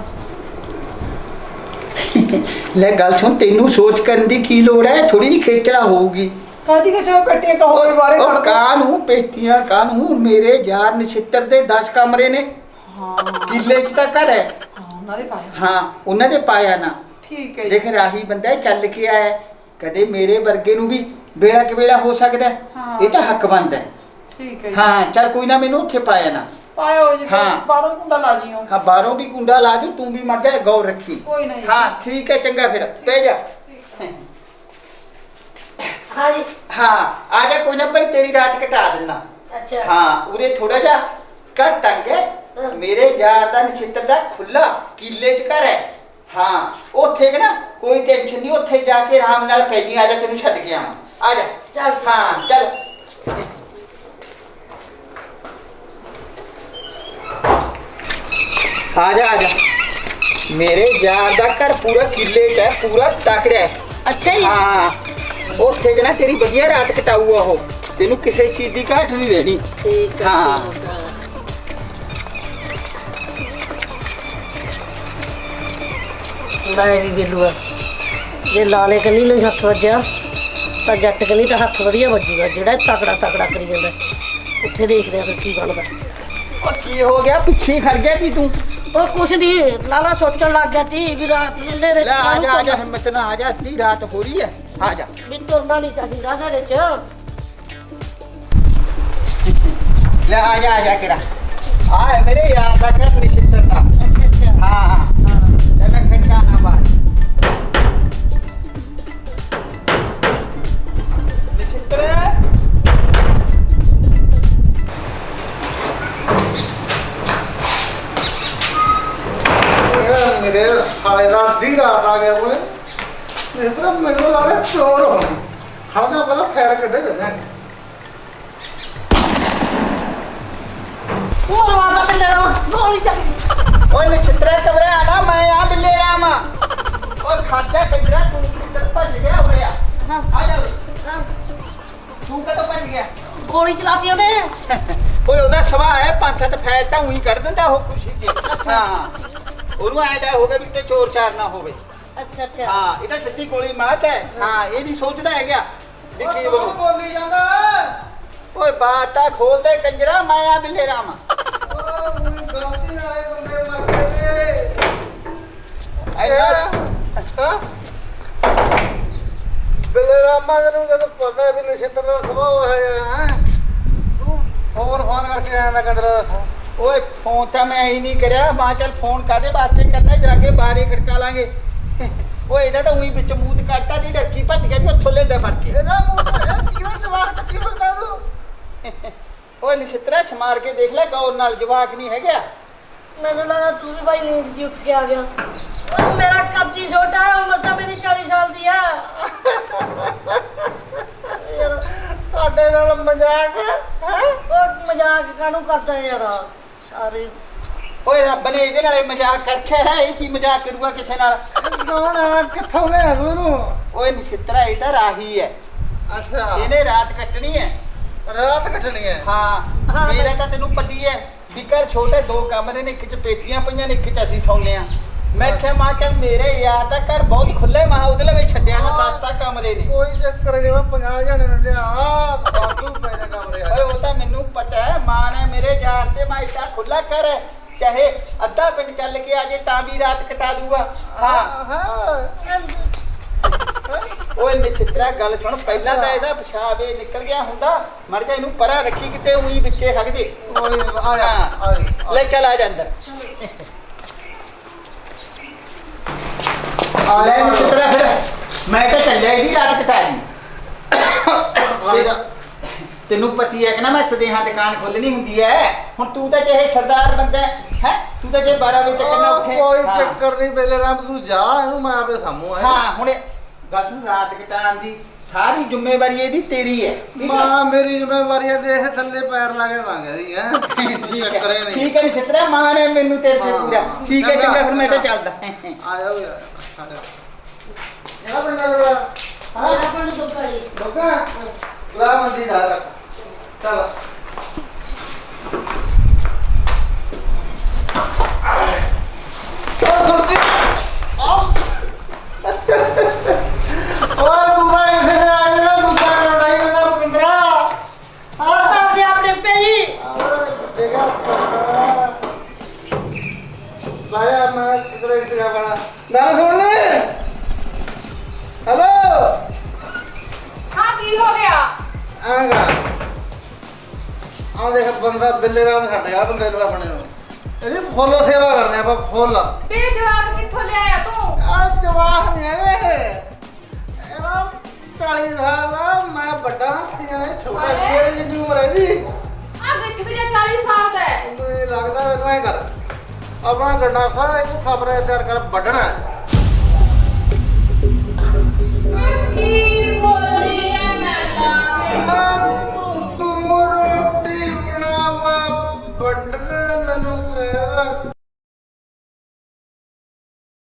ਲੈ ਗੱਲ ਸੁਣ, ਤੈਨੂੰ ਸੋਚ ਕਰਨ ਦੀ ਕੀ ਲੋੜ ਹੈ? ਥੋੜੀ ਜਿਹੀ ਖੇਚਲਾ ਹੋਊਗੀ। ਕਾਦੀ ਕਿ ਜੋ ਪੇਟੀਆਂ ਕਹੋਗੇ ਬਾਰੇ ਉਹ ਕੱਢ ਦੋ। ਕਾਹਨੂੰ ਪੇਟੀਆਂ, ਕਾਹਨੂੰ? ਮੇਰੇ ਯਾਰ ਨਛਿੱਤਰ ਦੇ ਦਸ ਕਮਰੇ ਨੇ, ਹਾਂ ਕਿੱਲੇ 'ਚ ਤਾਂ ਘਰ ਹੈ। ਹਾਂ ਉਹਨਾਂ ਦੇ ਪਾਇਆ। ਹਾਂ ਉਹਨਾਂ ਦੇ ਪਾਇਆ ਨਾ। ਠੀਕ ਹੈ ਜੀ। ਦੇਖ ਰਾਹੀ ਬੰਦਾ ਚੱਲ ਕੇ ਆਇਆ, ਕਦੇ ਮੇਰੇ ਵਰਗੇ ਨੂੰ ਵੀ ਵੇਲਾ ਕਿ ਵੇਲਾ ਹੋ ਸਕਦਾ ਹੈ। ਹਾਂ। ਇਹ ਤਾਂ ਹੱਕ ਬਣਦਾ ਹੈ। ਠੀਕ ਹੈ ਜੀ। ਹਾਂ ਚੱਲ ਕੋਈ ਨਾ, ਮੈਨੂੰ ਉੱਥੇ ਪਾਇਆ ਨਾ। ਪਾਇਓ ਜੀ, ਹਾਂ। ਬਾਹਰੋਂ ਕੁੰਡਾ ਲਾ ਜੀਓ। ਹਾਂ ਬਾਹਰੋਂ ਵੀ ਕੁੰਡਾ ਲਾ ਦੂ, ਤੂੰ ਵੀ ਮਰ ਜਾ, ਗੌਰ ਰੱਖੀ। ਕੋਈ ਨਹੀਂ। ਹਾਂ ਠੀਕ ਹੈ, ਚੰਗਾ ਫਿਰ ਪੈ ਜਾ। ਹਾਂ ਜੀ। ਹਾਂ ਆ ਜਾ, ਕੋਈ ਨਾ ਭਾਈ, ਤੇਰੀ ਰਾਤ ਕਟਾ ਦਿੰਦਾ। ਅੱਛਾ। ਹਾਂ ਉਰੇ ਥੋੜਾ ਜਿਹਾ ਕਰ ਤੰਗ ਹੈ। ਹਾਂ। ਮੇਰੇ ਯਾਰ ਦਾ ਨਛਿੱਤਰ ਦਾ ਖੁੱਲਾ ਕਿੱਲੇ 'ਚ ਘਰ ਹੈ। ਹਾਂ ਉੱਥੇ ਕਿ ਨਾ ਕੋਈ ਟੈਨਸ਼ਨ ਨਹੀਂ, ਉੱਥੇ ਜਾ ਕੇ ਆਰਾਮ ਨਾਲ ਪੈ ਜੀ। ਆ ਜਾ, ਤੈਨੂੰ ਛੱਡ ਕੇ ਆਵਾਂ। ਆ ਜਾ। ਚੱਲ। ਹਾਂ ਚੱਲ। ਆ ਜਾ ਆ ਜਾ, ਮੇਰੇ ਯਾਰ ਦਾ ਘਰ ਪੂਰਾ ਕਿੱਲੇ 'ਚ ਹੈ, ਪੂਰਾ ਤਕੜਾ ਹੈ। ਅੱਛਾ ਜੀ। ਹਾਂ ਉੱਥੇ ਕਿ ਨਾ ਤੇਰੀ ਵਧੀਆ ਰਾਤ ਕਟਾਊਗਾ ਉਹ, ਤੈਨੂੰ ਕਿਸੇ ਚੀਜ਼ ਦੀ ਘਾਟ ਨਹੀਂ ਰਹਿਣੀ। ਠੀਕ ਹੈ। ਹਾਂ। ਠੀਕ ਹੈ। ਲੈ ਵੀ ਬਿੱਲੂਆ, ਜੇ ਲਾਲੇ ਕੰਨੀ ਨੂੰ ਹੱਥ ਵੱਜਿਆ ਤਾਂ ਜੱਟ ਕੰਨੀ ਤਾਂ ਹੱਥ ਵਧੀਆ ਵੱਜੂਗਾ, ਜਿਹੜਾ ਤਕੜਾ ਤਕੜਾ ਕਰੀ ਜਾਂਦਾ। ਉੱਥੇ ਦੇਖਦੇ ਆ ਫਿਰ ਕੀ ਬਣਦਾ। ਉਹ ਕੀ ਹੋ ਗਿਆ, ਪਿੱਛੇ ਖੜ ਗਿਆ ਸੀ ਤੂੰ? ਉਹ ਕੁਛ ਨਹੀਂ, ਲਾਲਾ ਸੋਚਣ ਲੱਗ ਗਿਆ ਸੀ ਵੀ ਰਾਤ ਨੂੰ ਨੇਰੇ ਲੈ ਆ ਜਾ ਆ ਜਾ, ਹਿੰਮਤ ਨਾ, ਆ ਜਾ, ਅੱਧੀ ਰਾਤ ਹੋ ਰਹੀ ਹੈ। ਆ ਜਾ। ਵੀ ਤੁਰਨਾ ਨਹੀਂ ਚਾਹੀਦਾ ਸਾਡੇ ਚ। ਲੈ ਆ ਜਾ ਆ ਜਾ ਕਿਰਾ, ਆ ਹੈ ਮੇਰੇ ਯਾਰ ਦਾ ਘਰ ਨਛਿੱਤਰ ਦਾ। ਅੱਛਾ ਅੱਛਾ। ਹਾਂ ਹਾਂ ਲੈ ਮੈਂ ਖੜਕਾ ਨਾ ਬਾਹਰ। ਨਛਿੱਤਰ ਮੇਰੇ ਹਾਲੇ ਦਾ ਅੱਧੀ ਰਾਤ ਆ ਗਿਆ ਕੋਲੇ। ਇਸ ਤਰ੍ਹਾਂ ਮੈਨੂੰ ਲੱਗਦਾ ਚੋਰ ਹੋਣਾ। ਹਾਲੇ ਤਾਂ ਪਹਿਲਾਂ ਫੈਰ ਕੱਢੇ ਜਾਂਦੇ। ਉਹ ਮਾਰਦਾ ਪਿੰਡੇ ਦਾ ਗੋਲੀ ਚੱਲੀ। ਓਏ ਨਛਿੱਤਰ ਘਬਰਾ ਨਾ, ਮੈਂ ਆ ਬਿੱਲੇ ਰਾਮ। ਓਏ ਖਾਜਾ ਕੰਜਰਾ, ਤੂੰ ਕਿੱਧਰ ਭੱਜ ਗਿਆ? ਉਰੇ ਆ। ਹਾਂ। ਆ ਜਾ ਉਰੇ। ਹਾਂ, ਤੂੰ ਕਦੋਂ ਭੱਜ ਗਿਆ? ਗੋਲੀ ਚਲਾਤੀ ਉਹਨੇ। ਓਏ ਉਹਦਾ ਸੁਭਾਅ ਹੈ, ਪੰਜ ਸੱਤ ਫੈਲ ਤਾਂ ਉਹੀ ਕੱਢ ਦਿੰਦਾ ਉਹ ਖੁਸ਼ੀ 'ਚ। ਹਾਂ ਉਹਨੂੰ ਐਂ ਡਰ ਹੋ ਗਿਆ ਵੀ ਤੇ ਚੋਰ ਚਾਰ ਨਾ ਹੋਵੇ। ਅੱਛਾ ਅੱਛਾ। ਹਾਂ ਇਹ ਤਾਂ ਸਿੱਧੀ ਗੋਲੀ ਮਾਰਤ ਹੈ। ਹਾਂ ਇਹ ਨਹੀਂ ਸੋਚਦਾ ਹੈਗਾ ਵੀ ਕੀ ਉਹ ਬਣੂ। ਬੋਲੀ ਜਾਂਦਾ। ਓਏ ਬਾਤ ਤਾਂ ਖੋਲ ਦੇ ਕੰਜਰਾ, ਮੈਂ ਆ ਬਿੱਲੇ ਰਾਮ। ਉਹ ਮੈਨੂੰ ਗਲਤੀ ਨਾਲੇ ਬੰਦੇ ਮਰ ਗਏ। ਐਨਾ ਹਾਂ ਬਿੱਲੇ ਰਾਮਾ ਨੂੰ ਜਦੋਂ ਪਤਾ ਵੀ ਨਛਿੱਤਰ ਦਾ ਸੁਭਾਅ ਹੈ ਹੈ ਤੂੰ ਫੋਨ ਫੋਨ ਕਰਕੇ ਆਇਆ ਨਾ ਕੰਦਰ। ਓਏ ਫੋਨ ਤਾਂ ਮੈਂ ਹੀ ਨਹੀਂ ਕਰਿਆ ਮਾਂ ਚੱਲ ਫੋਨ ਕਾਦੇ ਵਾਸਤੇ ਕਰਨਾ ਜਾ ਕੇ ਬਾਹਰ ਹੀ ਖੜਕਾ ਲਾਂਗੇ ਓਏ ਇਹਦਾ ਤਾਂ ਉਹੀ ਵਿੱਚ ਮੂੰਹ ਤੇ ਕੱਟਾ ਦੀ ਡਰਕੀ ਭੱਜ ਗਿਆ ਜੀ ਉੱਥੋਂ ਲੈਂਦਾ ਫੜ ਕੇ ਇਹਦਾ ਮੂੰਹ ਤੇ ਕਿਹਦਾ ਜਵਾਕ ਚੱਕੀ ਫਿਰਦਾ ਤੂੰ? ਓਏ ਨਿਸ਼ਤਰਾ ਸਮਾਰ ਕੇ ਦੇਖ ਲੈ ਗੌਰ ਨਾਲ ਜਵਾਕ ਨਹੀਂ ਹੈਗਾ ਮੈਨੂੰ ਲੱਗਾ ਤੂੰ ਵੀ ਬਾਈ ਨੀਂਦ ਜੀ ਉੱਠ ਕੇ ਆ ਗਿਆ ਉਹ ਮੇਰਾ ਕਬਜੀ ਛੋਟਾ ਹੈ ਉਮਰ ਤਾਂ ਮੇਰੀ ਚਾਲੀ ਸਾਲ ਦੀ ਆ ਯਾਰ ਸਾਡੇ ਨਾਲ ਮਜ਼ਾਕ ਹੈ? ਉਹ ਮਜ਼ਾਕ ਕਾਹਨੂੰ ਕਰਦਾ ਯਾਰ ਸਾਰੇ ਓਏ ਰੱਬ ਨੇ ਇਹਦੇ ਨਾਲੇ ਮਜ਼ਾਕ ਕਰਖਿਆ ਹੈ ਇਹ ਕੀ ਮਜ਼ਾਕ ਕਰੂਗਾ ਕਿਸੇ ਨਾਲ ਕੌਣ ਆ? ਕਿੱਥੋਂ ਲਿਆ ਤੂੰ ਇਹਨੂੰ? ਓਏ ਨਿਸ਼ਤਰਾ ਇਹ ਤਾਂ ਰਾਹੀ ਹੈ ਅੱਛਾ ਇਹਨੇ ਰਾਤ ਕੱਟਣੀ ਹੈ ਰਾਤ ਕੱਟਣੀ ਹੈ। ਹਾਂ ਹਾਂ, ਮੇਰਾ ਤਾਂ ਤੈਨੂੰ ਪਤੀ ਹੈ ਵੀ ਘਰ ਛੋਟੇ ਦੋ ਕਮਰੇ ਨੇ ਇੱਕ ਚ ਪੇਟੀਆਂ ਪਈਆਂ ਨੇ ਇੱਕ ਚ ਅਸੀਂ ਸੌਂਦੇ ਆ ਮੈਂ ਕਿਹਾ ਮਾਂ ਚੱਲ ਮੇਰੇ ਯਾਰ ਦਾ ਘਰ ਬਹੁਤ ਖੁੱਲੇ ਮਾਂ ਉਹਦੇ ਲਈ ਛੱਡਿਆ ਮੈਂ ਦਸ ਤਾਂ ਕਮਰੇ ਨੇ ਕੋਈ ਚੱਕਰ ਨਹੀਂ ਮੈਂ ਪੰਜਾਹ ਜਣੇ ਨੂੰ ਲਿਆ ਬਾਦੂ ਪੈ ਜਾ ਕਮਰੇ ਓਏ ਉਹ ਤਾਂ ਮੈਨੂੰ ਪਤਾ ਹੈ ਮਾਂ ਨੇ ਮੇਰੇ ਯਾਰ ਤੇ ਮੈਂ ਇੱਡਾ ਖੁੱਲਾ ਘਰ ਹੈ ਚਾਹੇ ਅੱਧਾ ਪਿੰਡ ਚੱਲ ਕੇ ਆ ਜੇ ਤਾਂ ਵੀ ਰਾਤ ਕਟਾ ਦੂਗਾ ਹਾਂ ਹਾਂ ਓਏ ਨਿਛਤਰਾ ਗੱਲ ਸੁਣ ਪਹਿਲਾਂ ਤਾਂ ਇਹਦਾ ਪਿਸ਼ਾਬ ਇਹ ਨਿਕਲ ਗਿਆ ਹੁੰਦਾ ਮਰ ਜਾ ਇਹਨੂੰ ਪਰਾਂ ਰੱਖੀ ਕਿਤੇ ਉਹੀ ਵਿੱਚੇ ਹੱਗ ਦੇ ਓਏ ਆ ਜਾ ਆ ਜਾ ਲੈ ਚੱਲ ਆ ਜਾ ਅੰਦਰ ਆ ਲੈ ਜਾ ਨਿਛਤਰਾ ਫਿਰ ਮੈਂ ਤਾਂ ਚੱਲਿਆ ਇਹਦੀ ਰਾਤ ਕਟਾਣੀ ਤੇਰਾ ਤੈਨੂੰ ਪਤੀ ਹੈ ਕਿ ਨਾ ਮੈਂ ਸਦੇਹਾਂ ਦੁਕਾਨ ਖੋਲਣੀ ਹੁੰਦੀ ਹੈ ਹੁਣ ਤੂੰ ਤਾਂ ਚਾਹੇ ਸਰਦਾਰ ਬੰਦਾ ਹੈ ਤੂੰ ਤਾਂ ਜੇ ਬਾਰਾਂ ਵਜੇ ਤੱਕ ਨਾ ਉੱਠੇ ਕੋਈ ਹਾਂ। ਚੱਕਰ ਨਹੀਂ ਬੇਲੇ ਰਾਮ ਤੂੰ ਜਾ ਇਹਨੂੰ ਮੈਂ ਆਪੇ ਸਾਮੂ ਆ ਹਾਂ ਹੁਣ ਇਹ ਗੱਲ ਸੁਣ ਰਾਤ ਕਟਾਉਣ ਦੀ ਸਾਰੀ ਜ਼ਿੰਮੇਵਾਰੀ ਇਹਦੀ ਤੇਰੀ ਹੈ ਠੀਕ ਹੈ ਮਾਂ ਮੇਰੀ ਜ਼ਿੰਮੇਵਾਰੀ ਹੈ ਦੇਖ ਥੱਲੇ ਪੈਰ ਲਾ ਕੇ ਮੰਗਦੀ ਹੈ ਚੱਕਰੇ ਨਹੀਂ ਠੀਕ ਹੈ ਨੀ ਸਿੱਤਰਾ ਮਾਂ ਨੇ ਮੈਨੂੰ ਤੇਰੇ ਤੇ ਹਾਂ, ਪੂਰਾ ਹਾਂ। ਠੀਕ ਹੈ ਚੰਗਾ, ਚੰਗਾ ਫਿਰ ਮੈਂ ਤਾਂ ਚੰਗਾ। ਚੱਲਦਾ ਆ ਜਾਓ ਯਾਰ ਆ ਜਾ ਇਹਦਾ ਬੰਦਾ ਜਰਾ ਹਾਂ ਮੇਰਾ ਪਿੰਡ ਦੁੱਖਾ ਜੀ ਲੋਕਾ ਲਾ ਮੰਦੀ ਦਾ ਰੱਖ ਚਲ ਉਹ ਗੁਰਦੀ ਆਓ ਓਏ ਤੂੰ ਤਾਂ ਇੱਥੇ ਆ ਜਾ ਤੂੰ ਤਾਂ ਲੜਾਈ ਨਾ ਪਿੰਦਰਾ ਆ ਆਪਣੇ ਆਪਣੇ ਪਈ ਦੇਖਾ ਲਾਇਆ ਮੈਂ ਇਧਰ ਇੱਥੇ ਬਣਾ ਗੱਲ ਸੁਣ ਲੈ ਹੈਲੋ ਹਾਂ ਕੀ ਹੋ ਗਿਆ ਆਗਾ ਆ ਦੇਖ ਬੰਦਾ ਬਿੱਲੇ ਰਾਮ ਛੱਡ ਗਿਆ ਬੰਦੇ ਨੂੰ ਆਪਣੇ ਨੂੰ ਇਹਦੀ ਫੁੱਲ ਸੇਵਾ ਕਰਨੇ ਆਪਾਂ ਫੁੱਲ ਬੇ ਜਵਾਕ ਕਿੱਥੋਂ ਲਿਆਇਆ ਤੂੰ ਆ ਜਵਾਹ ਨਹੀਂ ਹੈਗੇ ਇਹਦਾ ਚਾਲੀ ਸਾਲ ਦਾ ਮੈਂ ਵੱਡਾ ਤੀਆਂ ਇਹ ਛੋਟਾ ਹਾਏ। ਮੇਰੀ ਜਿੰਨੀ ਉਮਰ ਹੈ ਜੀ ਆ ਗਿੱਠ ਗਿਆ ਚਾਲੀ ਸਾਲ ਦਾ ਹੈ ਮੈਨੂੰ ਇਹ ਲੱਗਦਾ ਇਹਨੂੰ ਐ ਕਰ ਆਪਣਾ ਗੰਡਾਸਾ ਇਹਨੂੰ ਖਬਰੇ ਤਿਆਰ ਕਰ ਵੱਢਣਾ ਹੈ।